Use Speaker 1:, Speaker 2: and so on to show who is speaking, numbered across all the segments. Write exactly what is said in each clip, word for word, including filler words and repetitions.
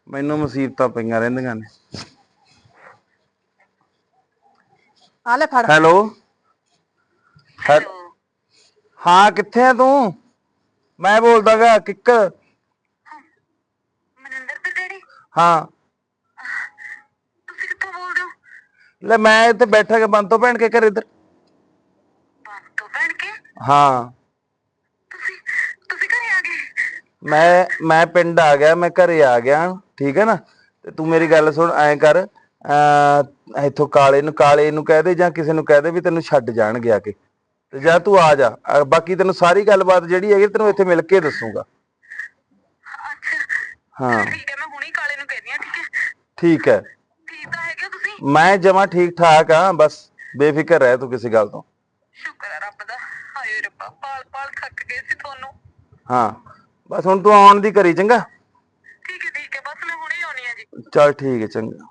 Speaker 1: ਮੈਨੂੰ ਮੁਸੀਬਤਾਂ ਪਈਆਂ ਰਹਿੰਦੀਆਂ ਨੇ।
Speaker 2: ਆ ਲੈ ਫੜ।
Speaker 1: ਹੈਲੋ ਹਾਂ ਕਿੱਥੇ ਆ ਤੂੰ? ਮੈਂ ਬੋਲਦਾ ਗਾ ਕਿੱਕਰ।
Speaker 3: ਮਨਿੰਦਰ ਦੇ ਡੈਡੀ
Speaker 1: ਹਾਂ
Speaker 3: ਤੁਸੀਂ ਕਿੱਥੋਂ ਬੋਲਦੇ ਹੋ?
Speaker 1: ਲੈ ਮੈਂ ਇੱਥੇ ਬੈਠਾ ਕੇ ਬੰਦ ਤੋਂ ਭੈਣ ਕੇ ਘਰ ਇੱਧਰ।
Speaker 3: ਬੰਦ ਤੋਂ ਭੈਣ ਕੇ?
Speaker 1: ਹਾਂ
Speaker 3: ਤੁਸੀਂ ਤੁਸੀਂ ਘਰੇ ਆ ਗਏ?
Speaker 1: ਮੈਂ ਮੈਂ ਪਿੰਡ ਆ ਗਿਆ, ਮੈਂ ਘਰੇ ਆ ਗਿਆ। ਠੀਕ ਹੈ ਨਾ। ਤੇ ਤੂੰ ਮੇਰੀ ਗੱਲ ਸੁਣ, ਐਂ ਕਰ ਅਹ ਇੱਥੋਂ ਕਾਲੇ ਨੂੰ ਕਾਲੇ ਨੂੰ ਕਹਿ ਦੇ ਜਾਂ ਕਿਸੇ ਨੂੰ ਕਹਿ ਦੇ ਵੀ ਤੈਨੂੰ ਛੱਡ ਜਾਣਗੇ ਆ ਕੇ, ਤੇ ਜਾਂ ਤੂੰ ਆ ਜਾ। ਅਹ ਬਾਕੀ ਤੈਨੂੰ ਸਾਰੀ ਗੱਲਬਾਤ ਜਿਹੜੀ ਹੈਗੀ ਤੈਨੂੰ ਇੱਥੇ ਮਿਲ ਕੇ ਦੱਸੂਗਾ।
Speaker 3: ਅੱਛਾ
Speaker 1: ਹਾਂ
Speaker 3: ਠੀਕ ਹੈ, ਮੈਂ ਹੁਣੀ ਕਾਲੇ ਨੂੰ ਕਹਿੰਦੀ ਆ। ਠੀਕ ਹੈ
Speaker 1: ਠੀਕ ਹੈ।
Speaker 3: ਠੀਕ ਤਾਂ ਹੈਗੇ ਹੋ ਤੁਸੀਂ?
Speaker 1: ਮੈਂ ਜਮਾਂ ਠੀਕ ਠਾਕ ਆ, ਬਸ ਬੇਫਿਕਰ ਰਹਿ ਤੂੰ ਕਿਸੇ ਗੱਲ ਤੋਂ।
Speaker 3: ਸ਼ੁਕਰ ਹੈ ਰੱਬ ਦਾ। ਹਾਏ ਰੱਬਾ, ਪਾਲ ਪਾਲ ਥੱਕ ਗਏ ਸੀ ਤੁਹਾਨੂੰ।
Speaker 1: ਹਾਂ ਬਸ ਹੁਣ ਤੂੰ ਆਉਣ ਦੀ ਕਰੀ ਚੰਗਾ।
Speaker 3: ਠੀਕ ਹੈ ਠੀਕ ਹੈ, ਬਸ ਮੈਂ ਹੁਣੇ ਆਉਣੀ ਆ ਜੀ।
Speaker 1: ਚੱਲ ਠੀਕ ਹੈ ਚੰਗਾ।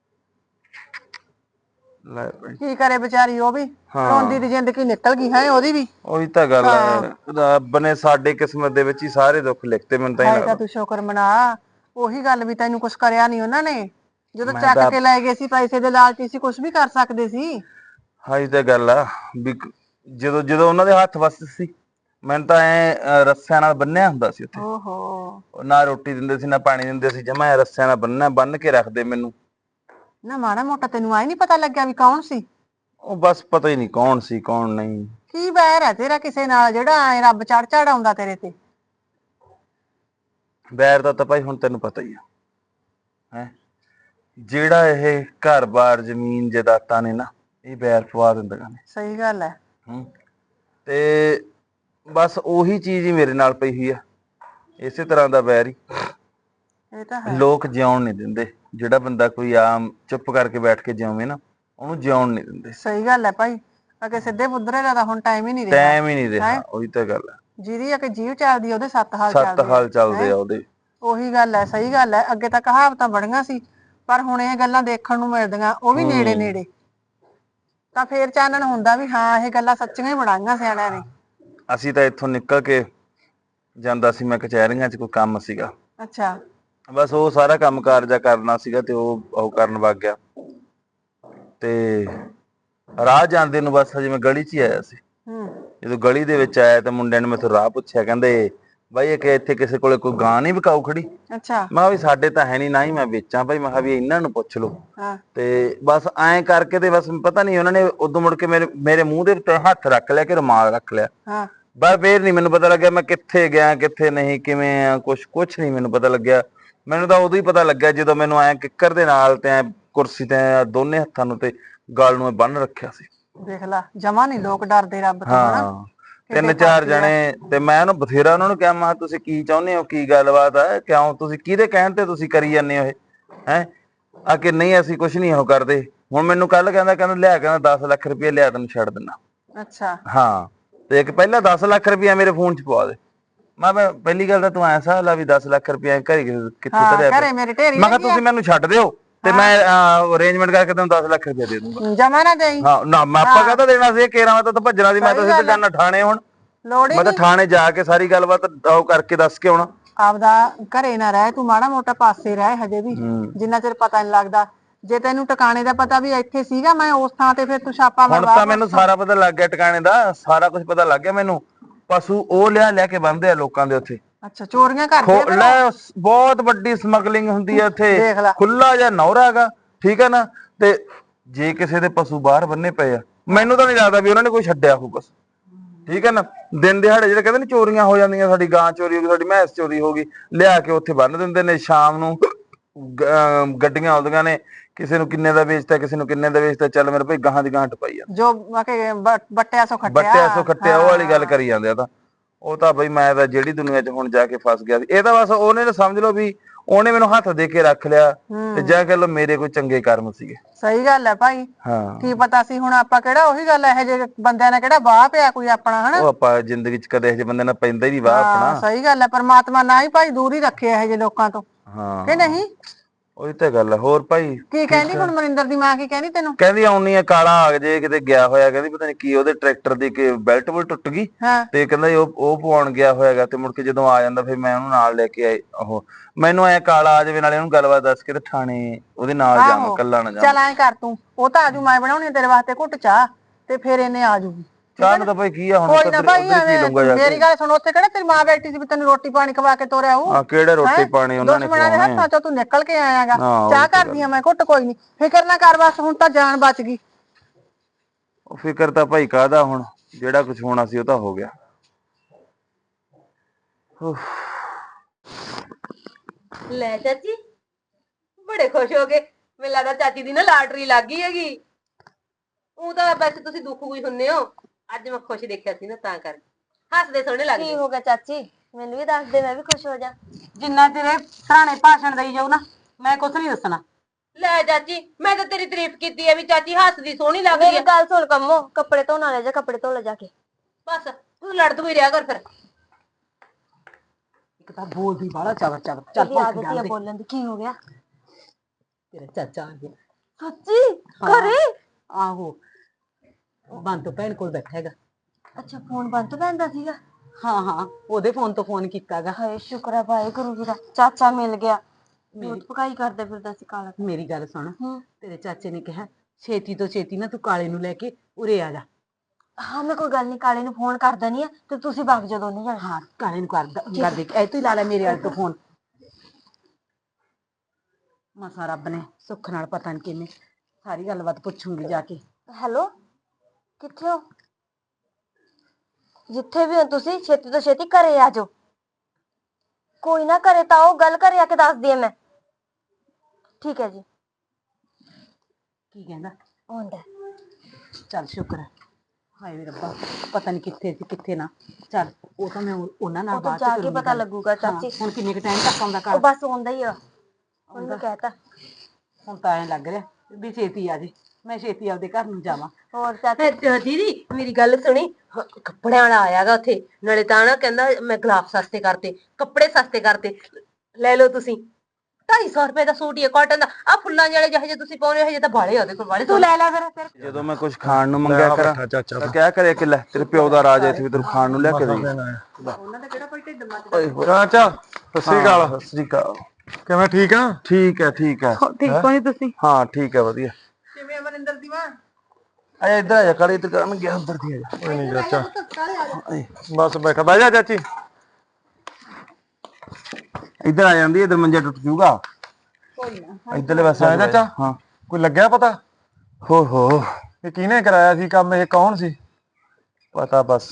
Speaker 1: ਲੈ ਭਾਈ
Speaker 2: ਕੀ ਕਰੇ ਵਿਚਾਰੀ, ਉਹ ਵੀ
Speaker 1: ਹਾਂ।
Speaker 2: ਰੋਂਦੀ ਦੀ ਜ਼ਿੰਦਗੀ ਨਿਕਲ ਗਈ ਹੈ ਉਹਦੀ ਵੀ।
Speaker 1: ਉਹੀ ਤਾਂ ਗੱਲ ਹੈ, ਰੱਬ ਨੇ ਸਾਡੇ ਕਿਸਮਤ ਦੇ ਵਿੱਚ ਹੀ ਸਾਰੇ ਦੁੱਖ ਲਿਖਤੇ। ਮੈਨੂੰ ਤਾਂ ਹੀ
Speaker 2: ਹਾਏ ਤਾਂ
Speaker 1: ਲੱਗਦਾ।
Speaker 2: ਤੂੰ ਸ਼ੁਕਰ ਮਨਾ। ਉਹੀ ਗੱਲ ਵੀ ਤੈਨੂੰ ਕੁਛ ਕਰਿਆ ਨਹੀਂ ਉਹਨਾਂ ਨੇ, ਜਦੋਂ
Speaker 1: ਮੈਂ
Speaker 2: ਚੱਕ
Speaker 1: ਤਾਂ
Speaker 2: ਕੇ ਲੈ ਗਏ ਸੀ ਪੈਸੇ ਦੇ ਲਾਲਚੀ ਸੀ, ਕੁਛ ਵੀ ਕਰ ਸਕਦੇ ਸੀ।
Speaker 1: ਹਾਈ ਤਾਂ ਗੱਲ ਆ ਵੀ ਜਦੋਂ ਜਦੋਂ ਉਹਨਾਂ ਦੇ ਹੱਥ ਵਸ ਸੀ, ਮੈਨੂੰ ਤਾਂ ਐ ਰੱਸਿਆਂ ਨਾਲ ਬੰਨਿਆ ਹੁੰਦਾ ਸੀ ਉੱਥੇ।
Speaker 2: ਓਹੋ
Speaker 1: ਨਾ ਰੋਟੀ ਦਿੰਦੇ ਸੀ ਨਾ ਪਾਣੀ ਦਿੰਦੇ ਸੀ, ਜਮਾ ਰੱਸਿਆਂ ਨਾਲ ਬੰਨਣਾ ਬੰਨ ਕੇ ਰੱਖਦੇ ਮੈਨੂੰ।
Speaker 2: ਨਾ ਮਾੜਾ ਮੋਟਾ ਤੈਨੂੰ ਆਈ ਨੀ ਪਤਾ ਲੱਗਿਆ ਵੀ ਕੌਣ ਸੀ?
Speaker 1: ਉਹ ਬਸ ਪਤਾ ਹੀ ਨਹੀਂ ਕੌਣ ਸੀ ਕੌਣ ਨਹੀਂ।
Speaker 2: ਕੀ ਬੈਰ ਹੈ ਤੇਰਾ ਕਿਸੇ ਨਾਲ ਜਿਹੜਾ ਐ ਰੱਬ ਚੜ ਚੜ ਆਉਂਦਾ ਤੇਰੇ ਤੇ?
Speaker 1: ਬੈਰ ਦਾ ਤਾਂ ਭਾਈ ਹੁਣ ਤੈਨੂੰ ਪਤਾ ਹੀ ਆ ਹੈ, ਜਿਹੜਾ ਇਹ ਘਰ-ਬਾਰ ਜ਼ਮੀਨ ਜਾਇਦਾਦਾਂ ਨੇ ਨਾ, ਇਹ ਬੈਰ ਪਵਾ ਦਿੰਦੀਆਂ ਨੇ।
Speaker 2: ਸਹੀ ਗੱਲ ਹੈ।
Speaker 1: ਹੂੰ ਤੇ ਬਸ ਉਹੀ ਚੀਜ਼ ਹੀ ਮੇਰੇ ਨਾਲ ਪਈ ਹੋਈ ਆ, ਇਸੇ ਤਰ੍ਹਾਂ ਦਾ ਬੈਰ ਹੀ।
Speaker 2: ਇਹ ਤਾਂ ਹੈ।
Speaker 1: ਲੋਕ ਜਿਉਣ ਨਹੀਂ ਦਿੰਦੇ, ਜਿਹੜਾ ਬੰਦਾ ਕੋਈ ਆਮ ਚੁੱਪ ਕਰਕੇ ਬੈਠ ਕੇ ਜਿਉਵੇਂ ਨਾ, ਉਹਨੂੰ ਜਿਉਣ ਨਹੀਂ ਦਿੰਦੇ।
Speaker 2: ਸਹੀ ਗੱਲ ਹੈ ਭਾਈ, ਅਗੇ ਸਿੱਧੇ ਪੁੱਧਰੇ ਦਾ ਤਾਂ ਹੁਣ ਟਾਈਮ ਹੀ ਨਹੀਂ ਰਿਹਾ।
Speaker 1: ਟਾਈਮ ਹੀ ਨਹੀਂ ਰਿਹਾ, ਉਹੀ ਤਾਂ ਗੱਲ ਹੈ।
Speaker 2: ਜਿਹਦੀ ਅਗੇ ਜੀਵ ਚੱਲਦੀ ਉਹਦੇ ਸੱਤ ਹਾਲ
Speaker 1: ਸੱਤ
Speaker 2: ਚੱਲਦੇ
Speaker 1: ਹਾਲ ਚੱਲਦੇ
Speaker 2: ਆ
Speaker 1: ਆ ਉਹਦੇ।
Speaker 2: ਉਹੀ ਗੱਲ ਹੈ, ਸਹੀ ਗੱਲ ਹੈ। ਅੱਗੇ ਤਾਂ ਕਹਾਵਤਾਂ ਬੜੀਆਂ ਸੀ, ਪਰ ਹੁਣ ਇਹ ਗੱਲਾਂ ਦੇਖਣ ਨੂੰ ਮਿਲਦੀਆਂ, ਉਹ ਵੀ ਨੇੜੇ ਨੇੜੇ। ਤਾਂ ਫੇਰ ਚਾਨਣ ਹੁੰਦਾ ਵੀ ਹਾਂ ਇਹ ਗੱਲਾਂ ਸੱਚੀਆਂ ਹੀ ਬਣਾਈਆਂ ਸਿਆਣਿਆਂ ਨੇ।
Speaker 1: ਅਸੀਂ ਤਾਂ ਇੱਥੋਂ ਨਿਕਲ ਕੇ ਜਾਂਦਾ ਸੀ, ਮੈਂ ਕਚਹਿਰੀਆਂ 'ਚ ਕੋਈ ਕੰਮ ਸੀਗਾ।
Speaker 2: ਅੱਛਾ
Speaker 1: ਬਸ ਉਹ ਸਾਰਾ ਕੰਮ ਕਾਰਜਾ ਕਰਨਾ ਸੀਗਾ ਤੇ ਉਹ ਉਹ ਕਰਨ ਵਗ ਗਿਆ। ਤੇ ਰਾਹ ਜਾਂਦੇ ਨੂੰ ਬਸ ਹਜੇ ਮੈਂ ਗਲੀ 'ਚ ਹੀ ਆਇਆ ਸੀ।
Speaker 2: ਹੂੰ
Speaker 1: ਜਦੋਂ ਗਲੀ ਦੇ ਵਿੱਚ ਆਇਆ ਤਾਂ ਮੁੰਡਿਆਂ ਨੇ ਮੈਥੋਂ ਰਾਹ ਪੁੱਛਿਆ, ਕਹਿੰਦੇ ਬਾਈ ਇਹ ਕਿ ਇੱਥੇ ਕਿਸੇ ਕੋਲੇ ਕੋਈ ਗਾਂ ਨੀ ਵਿਕਾਊ ਖੜੀ?
Speaker 2: ਅੱਛਾ
Speaker 1: ਮੈਂ ਕਿਹਾ ਵੀ ਸਾਡੇ ਤਾਂ ਹੈ ਨੀ, ਨਾ ਹੀ ਮੈਂ ਵੇਚਾਂ ਭਾਈ। ਮੈਂ ਕਿਹਾ ਵੀ ਇਹਨਾਂ ਨੂੰ ਪੁੱਛ ਲਓ।
Speaker 2: ਹਾਂ
Speaker 1: ਤੇ ਬਸ ਐਂ ਕਰਕੇ ਤੇ ਬਸ ਪਤਾ ਨੀ ਉਹਨਾਂ ਨੇ ਉਦੋਂ ਮੁੜ ਕੇ ਮੇਰੇ ਮੇਰੇ ਮੂੰਹ ਦੇ ਉੱਤੇ ਹੱਥ ਰੱਖ ਲਿਆ ਕਿ ਰੁਮਾਲ ਰੱਖ ਲਿਆ।
Speaker 2: ਹਾਂ
Speaker 1: ਬਸ ਫੇਰ ਨੀ ਮੈਨੂੰ ਪਤਾ ਲੱਗਿਆ ਮੈਂ ਕਿੱਥੇ ਗਿਆ ਕਿੱਥੇ ਨਹੀਂ, ਕਿਵੇਂ ਆ, ਕੁਛ ਕੁਛ ਨੀ ਮੈਨੂੰ ਪਤਾ ਲੱਗਿਆ। ਮੈਨੂੰ ਤਾਂ ਉਦੋਂ ਹੀ ਪਤਾ ਲੱਗਿਆ ਜਦੋਂ ਮੈਨੂੰ ਐਂ ਕਿੱਕਰ ਦੇ ਨਾਲ ਤੇ ਐ ਕੁਰਸੀ ਤੇ ਦੋਨੇ ਹੱਥਾਂ ਨੂੰ ਤੇ ਗਲ ਨੂੰ ਬੰਨ ਰੱਖਿਆ ਸੀ।
Speaker 2: ਦੇਖ ਲਾ, ਜਮਾ ਨੀ ਲੋਕ ਡਰਦੇ ਰੱਬ ਤੋਂ ਹਨਾ।
Speaker 1: ਹਾਂ ਤਿੰਨ ਚਾਰ ਜਣੇ, ਤੇ ਮੈਂ ਉਹਨੂੰ ਬਥੇਰਾ ਉਹਨਾਂ ਨੂੰ ਕਿਹਾ, ਮੈਂ ਤੁਸੀਂ ਕੀ ਚਾਹੁੰਦੇ ਹੋ, ਕੀ ਗੱਲਬਾਤ ਹੈ, ਕਿਉਂ ਤੁਸੀਂ ਕਿਹਦੇ ਕਹਿਣ ਤੇ ਤੁਸੀਂ ਕਰੀ ਜਾਂਦੇ ਹੋ ਇਹ ਹੈ ਆ ਕਿ ਨਹੀਂ? ਅਸੀਂ ਕੁਛ ਨੀ ਉਹ ਕਰਦੇ। ਹੁਣ ਮੈਨੂੰ ਕੱਲ ਕਹਿੰਦਾ ਕਹਿੰਦਾ ਲਿਆ, ਕਹਿੰਦਾ ਦਸ ਲੱਖ ਰੁਪਏ ਲਿਆ ਤੈਨੂੰ ਛੱਡ ਦਿੰਦਾ।
Speaker 2: ਅੱਛਾ
Speaker 1: ਹਾਂ ਤੇ ਇੱਕ ਪਹਿਲਾਂ ਦਸ ਲੱਖ ਰੁਪਇਆ ਮੇਰੇ ਫੋਨ 'ਚ ਪਵਾ ਦੇ। ਮੈਂ ਕਿਹਾ ਪਹਿਲੀ ਗੱਲ ਤਾਂ ਤੂੰ ਐ ਹਿਸਾਬ ਲਾ ਵੀ ਦਸ ਲੱਖ ਰੁਪਇਆ ਘਰੇ ਕਿੱਥੇ ਧਰਿਆ ਪਿਆ।
Speaker 2: ਘਰੇ ਮੇਰੇ ਢੇਰੀ
Speaker 1: ਮੈਂ ਕਿਹਾ
Speaker 2: ਲੱਗੀ ਆ।
Speaker 1: ਤੁਸੀਂ ਮੈਨੂੰ ਛੱਡ ਦਿਓ ਤੇ ਮੈਂ ਅਰੇਂਜਮੈਂਟ ਕਰਕੇ ਤੈਨੂੰ ਦਸ ਲੱਖ ਰੁਪਇਆ ਦੇ ਦੂੰਗਾ।
Speaker 2: ਜਮਾ ਨਾ ਦੇਈ।
Speaker 1: ਹਾਂ ਨਾ ਮੈਂ ਆਪਾਂ ਕਾਹਦਾ ਦੇਣਾ ਸੀ, ਕੇਰਾਂ ਮੈਂ ਤਾਂ ਭੱਜਣਾ ਸੀ। ਮੈਂ ਤਾਂ ਸਿੱਧਾ ਜਾਣਾ ਥਾਣੇ। ਹੁਣ
Speaker 2: ਲੋੜ ਹੀ
Speaker 1: ਮੈਂ ਤਾਂ
Speaker 2: ਨਹੀਂ।
Speaker 1: ਥਾਣੇ ਜਾ ਕੇ ਸਾਰੀ ਗੱਲਬਾਤ ਉਹ ਕਰਕੇ ਦੱਸ ਕੇ ਆਉਣਾ।
Speaker 2: ਆਪਦਾ ਘਰੇ ਨਾ ਰਹਿ ਤੂੰ, ਮਾੜਾ ਮੋਟਾ ਪਾਸੇ ਰਹਿ ਹਜੇ ਵੀ, ਜਿੰਨਾ ਚਿਰ ਪਤਾ ਨੀ ਲੱਗਦਾ। ਜੇ ਤੈਨੂੰ ਟਿਕਾਣੇ ਦਾ ਪਤਾ ਵੀ ਇੱਥੇ ਸੀਗਾ ਮੈਂ ਉਸ ਥਾਂ ਤੇ, ਫਿਰ ਤੂੰ ਛਾਪਾ
Speaker 1: ਹੁਣ
Speaker 2: ਮਰਵਾ।
Speaker 1: ਤਾਂ ਮੈਨੂੰ ਸਾਰਾ ਪਤਾ ਲੱਗ ਗਿਆ, ਟਿਕਾਣੇ ਦਾ ਸਾਰਾ ਕੁਝ ਪਤਾ ਲੱਗ ਗਿਆ ਮੈਨੂੰ। ਪਸ਼ੂ ਉਹ ਲਿਆ ਲਿਆ ਕੇ ਬੰਨਦੇ ਆ ਲੋਕਾਂ ਦੇ ਉੱਥੇ।
Speaker 2: ਅੱਛਾ ਚੋਰੀਆਂ ਕਰਦੇ ਆ ਫਿਰ ਉਹ?
Speaker 1: ਲੈ ਬਹੁਤ ਵੱਡੀ ਸਮਗਲਿੰਗ ਹੁੰਦੀ ਹੈ ਉੱਥੇ।
Speaker 2: ਦੇਖ ਲੈ।
Speaker 1: ਖੁੱਲਾ ਜਿਹਾ ਨੌਰਾ ਹੈਗਾ, ਠੀਕ ਹੈ ਨਾ। ਤੇ ਜੇ ਕਿਸੇ ਦੇ ਪਸ਼ੂ ਬਾਹਰ ਬੰਨੇ ਪਏ ਆ, ਮੈਨੂੰ ਤਾਂ ਨਹੀਂ ਲੱਗਦਾ ਵੀ ਉਹਨਾਂ ਨੇ ਕੋਈ ਛੱਡਿਆ ਹੋਊ ਬਸ, ਠੀਕ ਹੈ ਨਾ। ਦਿਨ ਦਿਹਾੜੇ ਜਿਹੜੇ ਕਹਿੰਦੇ ਨੇ ਚੋਰੀਆਂ ਹੋ ਜਾਂਦੀਆਂ, ਸਾਡੀ ਗਾਂ ਚੋਰੀ ਹੋ ਗਈ, ਸਾਡੀ ਮੈਂਸ ਚੋਰੀ ਹੋ ਗਈ, ਲਿਆ ਕੇ ਉੱਥੇ ਬੰਨ ਦਿੰਦੇ ਨੇ। ਸ਼ਾਮ ਨੂੰ ਗੱਡੀਆਂ ਆਉਂਦੀਆਂ ਨੇ, ਕਿਸੇ ਨੂੰ ਕਿੰਨੇ ਦਾ ਵੇਚਤਾ, ਕਿਸੇ ਨੂੰ ਕਿੰਨੇ ਦਾ ਵੇਚਤਾ, ਚੱਲ ਮੇਰੇ ਭਾਈ ਗਾਹਾਂ ਦੀ ਗਾਹਾਂ ਟਪਾਈ ਆ।
Speaker 2: ਜੋ ਬੱਟਿਆ ਸੋ ਖੱਟਿਆ,
Speaker 1: ਬੱਟਿਆ ਸੋ ਖੱਟਿਆ, ਉਹ ਵਾਲੀ ਗੱਲ ਕਰੀ ਜਾਂਦੇ ਆ। ਤਾਂ ਉਹ ਤਾਂ ਬਈ ਮੈਂ ਤਾਂ ਜਿਹੜੀ ਦੁਨੀਆ 'ਚ ਹੁਣ ਜਾ ਕੇ ਫਸ ਗਿਆ ਸੀ। ਇਹ ਤਾਂ ਬਸ ਉਹਨੇ ਤਾਂ ਸਮਝ ਲਓ ਵੀ ਉਹਨੇ ਮੈਨੂੰ ਹੱਥ ਦੇ ਕੇ ਰੱਖ ਲਿਆ, ਤੇ ਜਾਂ ਕਹਿ ਲਓ ਮੇਰੇ ਕੋਈ ਚੰਗੇ ਕਰਮ ਸੀਗੇ।
Speaker 2: ਸਹੀ ਗੱਲ ਹੈ ਭਾਈ।
Speaker 1: ਹਾਂ
Speaker 2: ਕੀ ਪਤਾ ਸੀ ਹੁਣ ਆਪਾਂ ਕਿਹੜਾ ਉਹੀ ਗੱਲ ਇਹੋ ਜਿਹੇ ਬੰਦਿਆਂ ਨੇ ਕਿਹੜਾ ਵਾਹ ਪਿਆ ਕੋਈ ਆਪਣਾ, ਹਨਾ।
Speaker 1: ਉਹ ਆਪਾਂ ਜ਼ਿੰਦਗੀ 'ਚ ਕਦੇ ਇਹੋ ਜਿਹੇ ਬੰਦੇ ਨਾਲ ਪੈਂਦਾ ਹੀ ਨਹੀਂ ਵਾਹ
Speaker 2: ਹਾਂ
Speaker 1: ਆਪਣਾ।
Speaker 2: ਸਹੀ ਗੱਲ ਹੈ, ਪਰਮਾਤਮਾ ਨਾ ਹੀ ਭਾਈ ਦੂਰ ਹੀ ਰੱਖੇ ਇਹੋ ਜਿਹੇ ਲੋਕਾਂ ਤੋਂ,
Speaker 1: ਹਾਂ
Speaker 2: ਕਿ ਨਹੀਂ?
Speaker 1: ਉਹੀ ਤਾਂ ਗੱਲ ਆ। ਹੋਰ ਭਾਈ
Speaker 2: ਕੀ ਕਹਿੰਦੀ ਹੁਣ ਮਨਿੰਦਰ ਦੀ ਮਾਂ ਕੀ ਕਹਿੰਦੀ ਤੈਨੂੰ?
Speaker 1: ਕਹਿੰਦੀ ਆਉਣੀ ਆ ਕਾਲਾ ਆ ਜੇ ਕਿਤੇ ਗਿਆ ਹੋਇਆ, ਕਹਿੰਦੀ ਪਤਾ ਨੀ ਕੀ ਉਹਦੇ ਟਰੈਕਟਰ ਦੀ ਕਿ ਬੈਲਟ ਬੁਲਟ ਟੁੱਟ ਗਈ
Speaker 2: ਹਾਂ
Speaker 1: ਤੇ ਕਹਿੰਦਾ ਜੀ ਉਹ ਉਹ ਪਵਾਉਣ ਗਿਆ ਹੋਇਆਗਾ ਤੇ ਮੁੜ ਕੇ ਜਦੋਂ ਆ ਜਾਂਦਾ ਫਿਰ ਮੈਂ ਉਹਨੂੰ ਨਾਲ ਲੈ ਕੇ ਆਏ। ਉਹ ਮੈਨੂੰ ਐ ਕਾਲਾ ਆ ਜਾਵੇ ਨਾਲੇ ਉਹਨੂੰ ਗੱਲਬਾਤ ਦੱਸ ਕੇ ਤੇ ਥਾਣੇ ਉਹਦੇ ਨਾਲ ਜਾਵਾਂ,
Speaker 2: ਆਹੋ
Speaker 1: ਕੱਲਾ ਨਾ
Speaker 2: ਚੱਲ
Speaker 1: ਜਾਵਾਂ।
Speaker 2: ਐਂ ਕਰ ਤੂੰ, ਉਹ ਤਾਂ ਆਜੂ, ਮੈਂ ਬਣਾਉਣੀ ਆ ਤੇਰੇ ਵਾਸਤੇ ਘੁੱਟ ਚਾਹ ਤੇ ਫਿਰ ਇਹਨੇ ਆਜੂਗੀ।
Speaker 1: ਚਾਹ ਨੂੰ ਤਾਂ ਭਾਈ ਕੀ ਆ ਹੁਣ,
Speaker 2: ਕੋਈ ਨਾ
Speaker 1: ਉੱਧਰ
Speaker 2: ਭਾਈ
Speaker 1: ਉੱਧਰ ਹੀ ਪੀ ਲਊਂਗਾ ਜਾ
Speaker 2: ਮੇਰੀ
Speaker 1: ਕੇ।
Speaker 2: ਗੱਲ ਸੁਣ, ਉੱਥੇ ਕਿਹੜਾ ਤੇਰੀ ਮਾਂ ਬੈਠੀ ਸੀ ਵੀ ਤੈਨੂੰ ਰੋਟੀ ਪਾਣੀ ਖਵਾ ਕੇ ਤੋਰਿਆ ਉਹ?
Speaker 1: ਆ ਕਿਹੜੇ ਰੋਟੀ ਪਾਣੀ ਉਹਨਾਂ ਨੇ
Speaker 2: ਦੁਸ਼ਮਣਾਂ ਦੇ
Speaker 1: ਖਵਾਉਣੇ
Speaker 2: ਹੱਥਾਂ ਚੋਂ ਤੂੰ ਨਿਕਲ ਕੇ ਆਇਆਗਾ।
Speaker 1: ਹਾਂ,
Speaker 2: ਚਾਹ
Speaker 1: ਉਹੀ ਤਾਂ
Speaker 2: ਕਰਦੀ ਆ ਮੈਂ ਘੁੱਟ, ਕੋਈ ਨਹੀਂ ਫਿਕਰ ਨਾ ਕਰ, ਬਸ ਹੁਣ ਤਾਂ ਜਾਨ ਬਚ ਗਈ।
Speaker 1: ਉਹ ਫਿਕਰ ਤਾਂ ਭਾਈ ਕਾਹਦਾ, ਹੁਣ ਜਿਹੜਾ ਕੁਝ ਹੋਣਾ ਸੀ ਉਹ ਤਾਂ ਹੋ ਗਿਆ।
Speaker 4: ਲੈ ਚਾਚੀ ਬੜੇ ਖੁਸ਼ ਹੋ ਗਏ, ਮੈਨੂੰ ਲੱਗਦਾ ਚਾਚੀ ਦੀ ਨਾ ਲਾਟਰੀ ਲੱਗ ਗਈ ਹੈਗੀ। ਉਹ ਤਾਂ ਵੈਸੇ ਤੁਸੀਂ ਦੁੱਖ ਕੋਈ ਹੁੰਨੇ ਹੋ, ਅੱਜ ਮੈਂ ਖੁਸ਼ ਦੇਖਿਆ ਸੀ ਨਾ ਤਾਂ ਕਰਕੇ ਹੱਸਦੇ ਸੋਹਣੇ ਲੱਗਦੇ।
Speaker 5: ਕੀ ਹੋ ਗਿਆ ਚਾਚੀ, ਮੈਨੂੰ ਵੀ ਦੱਸ ਦੇ, ਮੈਂ ਵੀ ਖੁਸ਼ ਹੋ ਜਾ।
Speaker 6: ਜਿੰਨਾ ਤੇਰੇ ਸਰਾਣੇ ਭਾਸ਼ਣ ਦੇਈ ਜਾਊ ਨਾ, ਮੈਂ ਕੁਛ ਨਹੀਂ ਦੱਸਣਾ।
Speaker 4: ਲੈ ਚਾਚੀ ਮੈਂ ਤਾਂ ਤੇਰੀ ਤਾਰੀਫ ਕੀਤੀ ਹੈ ਵੀ ਚਾਚੀ ਹੱਸਦੀ ਸੋਹਣੀ ਲੱਗਦੀ
Speaker 5: ਮੇਰੀ
Speaker 4: ਹੈ।
Speaker 5: ਗੱਲ ਸੁਣ ਕੰਮੋ, ਕੱਪੜੇ ਧੋਣ ਵਾਲੇ ਜਾ, ਕੱਪੜੇ ਧੋ ਲੈ ਜਾ ਕੇ।
Speaker 4: ਬਸ ਤੂੰ ਲੜਦ ਹੋਈ ਰਿਹਾ ਕਰ ਫਿਰ।
Speaker 6: ਇੱਕ ਤਾਂ ਬੋਲਦੀ ਬਾਹਲਾ ਚਾਵਰ ਚਾਵਰ, ਚੱਲ
Speaker 5: ਇਹਦੀ
Speaker 6: ਭੁੱਖ
Speaker 5: ਆਦਤ ਹੀ ਆ
Speaker 6: ਜਾਂਦੇ
Speaker 5: ਬੋਲਣ ਦੀ। ਕੀ ਹੋ ਗਿਆ
Speaker 6: ਤੇਰਾ ਚਾਚਾ ਆ ਗਿਆ।
Speaker 5: ਸੱਚੀ? ਘਰੇ?
Speaker 6: ਆਹੋ, ਬੰਤੋ ਭੈਣ ਕੋਲ ਬੈਠਾ ਹੈਗਾ।
Speaker 5: ਅੱਛਾ, ਫੋਨ ਬੰਦ ਤੋਂ ਪੈਂਦਾ ਸੀਗਾ?
Speaker 6: ਹਾਂ ਹਾਂ, ਉਹਦੇ ਫੋਨ ਤੋਂ ਫੋਨ ਕੀਤਾਗਾ।
Speaker 5: ਹਾਏ ਸ਼ੁਕਰ ਹੈ ਵਾਹਿਗੁਰੂ ਜੀ ਦਾ, ਚਾਚਾ ਮਿਲ ਗਿਆ। ਬਹੁਤ ਪਕਾਈ ਕਰਦਾ ਫਿਰਦਾ ਸੀ ਕਾਲਾ।
Speaker 6: ਮੇਰੀ ਗੱਲ ਸੁਣ,
Speaker 5: ਹੂੰ
Speaker 6: ਤੇਰੇ ਚਾਚੇ ਨੇ ਕਿਹਾ ਛੇਤੀ ਤੋਂ ਛੇਤੀ ਨਾ ਤੂੰ ਕਾਲੇ ਨੂੰ ਲੈ ਕੇ ਉਰੇ ਆ ਜਾ।
Speaker 5: ਹਾਂ ਮੈਂ ਕੋਈ ਗੱਲ ਨਹੀਂ, ਕਾਲੇ ਨੂੰ ਫੋਨ ਕਰ ਦਨੀ ਆ ਤੇ ਤੁਸੀਂ ਵਗ ਜਾ ਦੋਨੇ ਜਾਣੇ।
Speaker 6: ਹਾਂ, ਕਾਲੇ ਨੂੰ ਕਰ ਕਰ ਦੇ, ਐ ਤੂੰ ਹੀ ਲਾ ਲੈ ਮੇਰੇ ਵਾਲੇ ਤੋਂ ਫੋਨ। ਮਸਾ ਰੱਬ ਨੇ ਸੁੱਖ ਨਾਲ ਪਤਾ ਨੀ ਕਿਵੇਂ ਸਾਰੀ ਗੱਲਬਾਤ ਪੁੱਛੂੰਗੀ ਜਾ ਕੇ।
Speaker 5: ਹੈਲੋ, ਕਿੱਥੇ ਹੋ? ਜਿੱਥੇ ਵੀ ਹੋ ਤੁਸੀਂ ਛੇਤੀ ਤੋਂ ਛੇਤੀ ਘਰੇ ਆ ਜਾਓ। ਕੋਈ ਨਾ, ਘਰੇ ਤਾਂ ਉਹ ਗੱਲ ਘਰੇ ਆ ਕੇ ਦੱਸਦੀ ਆ ਮੈਂ। ਠੀਕ ਹੈ ਜੀ।
Speaker 6: ਕੀ ਕਹਿੰਦਾ?
Speaker 5: ਆਉਂਦਾ।
Speaker 6: ਚੱਲ ਸ਼ੁਕਰ ਹੈ। ਹਾਏ ਵੇ ਰੱਬਾ, ਪਤਾ ਨਹੀਂ ਕਿੱਥੇ ਸੀ ਕਿੱਥੇ ਨਾ। ਚੱਲ ਉਹ ਤਾਂ ਮੈਂ ਉਹ- ਉਹਨਾਂ ਨਾਲ
Speaker 5: ਉਹ ਤਾਂ
Speaker 6: ਬਾਅਦ ਚ
Speaker 5: ਜਾ ਕੇ
Speaker 6: ਕਰੂੰਗੀ
Speaker 5: ਪਤਾ
Speaker 6: ਗੱਲ।
Speaker 5: ਲੱਗੂਗਾ
Speaker 6: ਹਾਂ,
Speaker 5: ਚਾਚੀ।
Speaker 6: ਹੁਣ ਕਿੰਨੇ ਕੁ ਟਾਈਮ ਤੱਕ ਆਉਂਦਾ
Speaker 5: ਉਹ
Speaker 6: ਘਰ?
Speaker 5: ਬਸ ਆਉਂਦਾ ਹੀ ਆ, ਉਹਨੂੰ ਕਹਿਤਾ।
Speaker 6: ਹੁਣ ਤਾਂ ਐਂ ਲੱਗ ਰਿਹਾ ਵੀ ਛੇਤੀ ਆ ਜੇ, ਮੈਂ ਛੇਤੀ ਆਪਦੇ ਘਰ ਨੂੰ ਜਾਵਾਂ।
Speaker 5: ਹੋਰ ਚਾਚੀ?
Speaker 4: ਅਹ ਦੀਦੀ ਮੇਰੀ ਗੱਲ ਸੁਣੀ, ਹਾਂ, ਕੱਪੜਿਆਂ ਵਾਲਾ ਆਇਆਗਾ ਉੱਥੇ, ਨਾਲੇ ਤਾਂ ਨਾ ਕਹਿੰਦਾ ਮੈਂ ਗਲਾਫ ਸਸਤੇ ਕਰਤੇ, ਕੱਪੜੇ ਸਸਤੇ ਕਰਤੇ, ਲੈ ਲਓ ਤੁਸੀਂ। ਢਾਈ ਸੌ ਰੁਪਏ ਦਾ ਸੂਟ ਹੀ ਹੈ ਕਾਟਨ ਦਾ। ਆ ਫੁੱਲਾਂ ਜਿਹੜੇ ਜਿਹੇ ਜਿਹੇ ਤੁਸੀਂ ਪਾਉਣੇ ਹੋ ਹਜੇ ਤਾਂ ਬਾਲੇ ਆ ਉਹਦੇ ਕੋਲ, ਬਾਲੇ
Speaker 6: ਤੂੰ ਲੈ ਲੈ ਫਿਰ ਤੇਰੇ
Speaker 1: ਜਦੋਂ ਮੈਂ ਕੁਝ ਖਾਣ ਨੂੰ ਮੰਗਿਆ ਕਰਾਂ ਤਾਂ ਕਿਆ ਕਰੇ ਕਿ ਲੈ ਤੇਰੇ ਪਿਓ ਦਾ ਰਾਜ ਐ, ਤੈਨੂੰ ਖਾਣ ਨੂੰ ਲਿਆ ਕੇ ਦੇ।
Speaker 6: ਉਹਨਾਂ ਦਾ ਕਿਹੜਾ ਕੋਈ ਢਿੱਡ ਮੱਚ।
Speaker 7: ਚਾਚਾ ਸਤਿ ਸ੍ਰੀ ਅਕਾਲ।
Speaker 1: ਸਤਿ ਸ੍ਰੀ ਅਕਾਲ।
Speaker 7: ਕਿਵੇਂ, ਠੀਕ ਆ?
Speaker 1: ਠੀਕ ਹੈ ਠੀਕ ਹੈ।
Speaker 6: ਠੀਕ ਹੋ ਤੁਸੀਂ?
Speaker 1: ਹਾਂ ਠੀਕ ਹੈ, ਵਧੀਆ।
Speaker 2: ਕਿਵੇਂ ਮਨਿੰਦਰ ਦੀ ਮਾਂ?
Speaker 1: ਆ ਇੱਧਰ ਆ ਜਾ, ਕਾਲੇ ਇੱਧਰ ਕਰਨ ਗਿਆ, ਉੱਧਰ ਦੀ ਆ ਜਾ।
Speaker 7: ਕੋਈ ਨਹੀਂ ਚਾਚਾ, ਬਸ ਬੈਠਾ, ਬਹਿ ਜਾ ਚਾਚੀ।
Speaker 1: ਇੱਧਰ ਆ ਜਾਂਦੀ, ਇੱਧਰ ਮੰਜਾ ਟੁੱਟ ਜੂਗਾ। ਇੱਧਰਲੇ ਪਾਸੇ
Speaker 7: ਆ ਚਾਚਾ।
Speaker 1: ਹਾਂ।
Speaker 7: ਕੋਈ ਲੱਗਿਆ ਪਤਾ
Speaker 1: ਹੋ ਹੋ
Speaker 7: ਇਹ ਕਿਹਨੇ ਕਰਾਇਆ ਸੀ ਕੰਮ, ਇਹ ਕੌਣ ਸੀ?
Speaker 1: ਪਤਾ ਬਸ,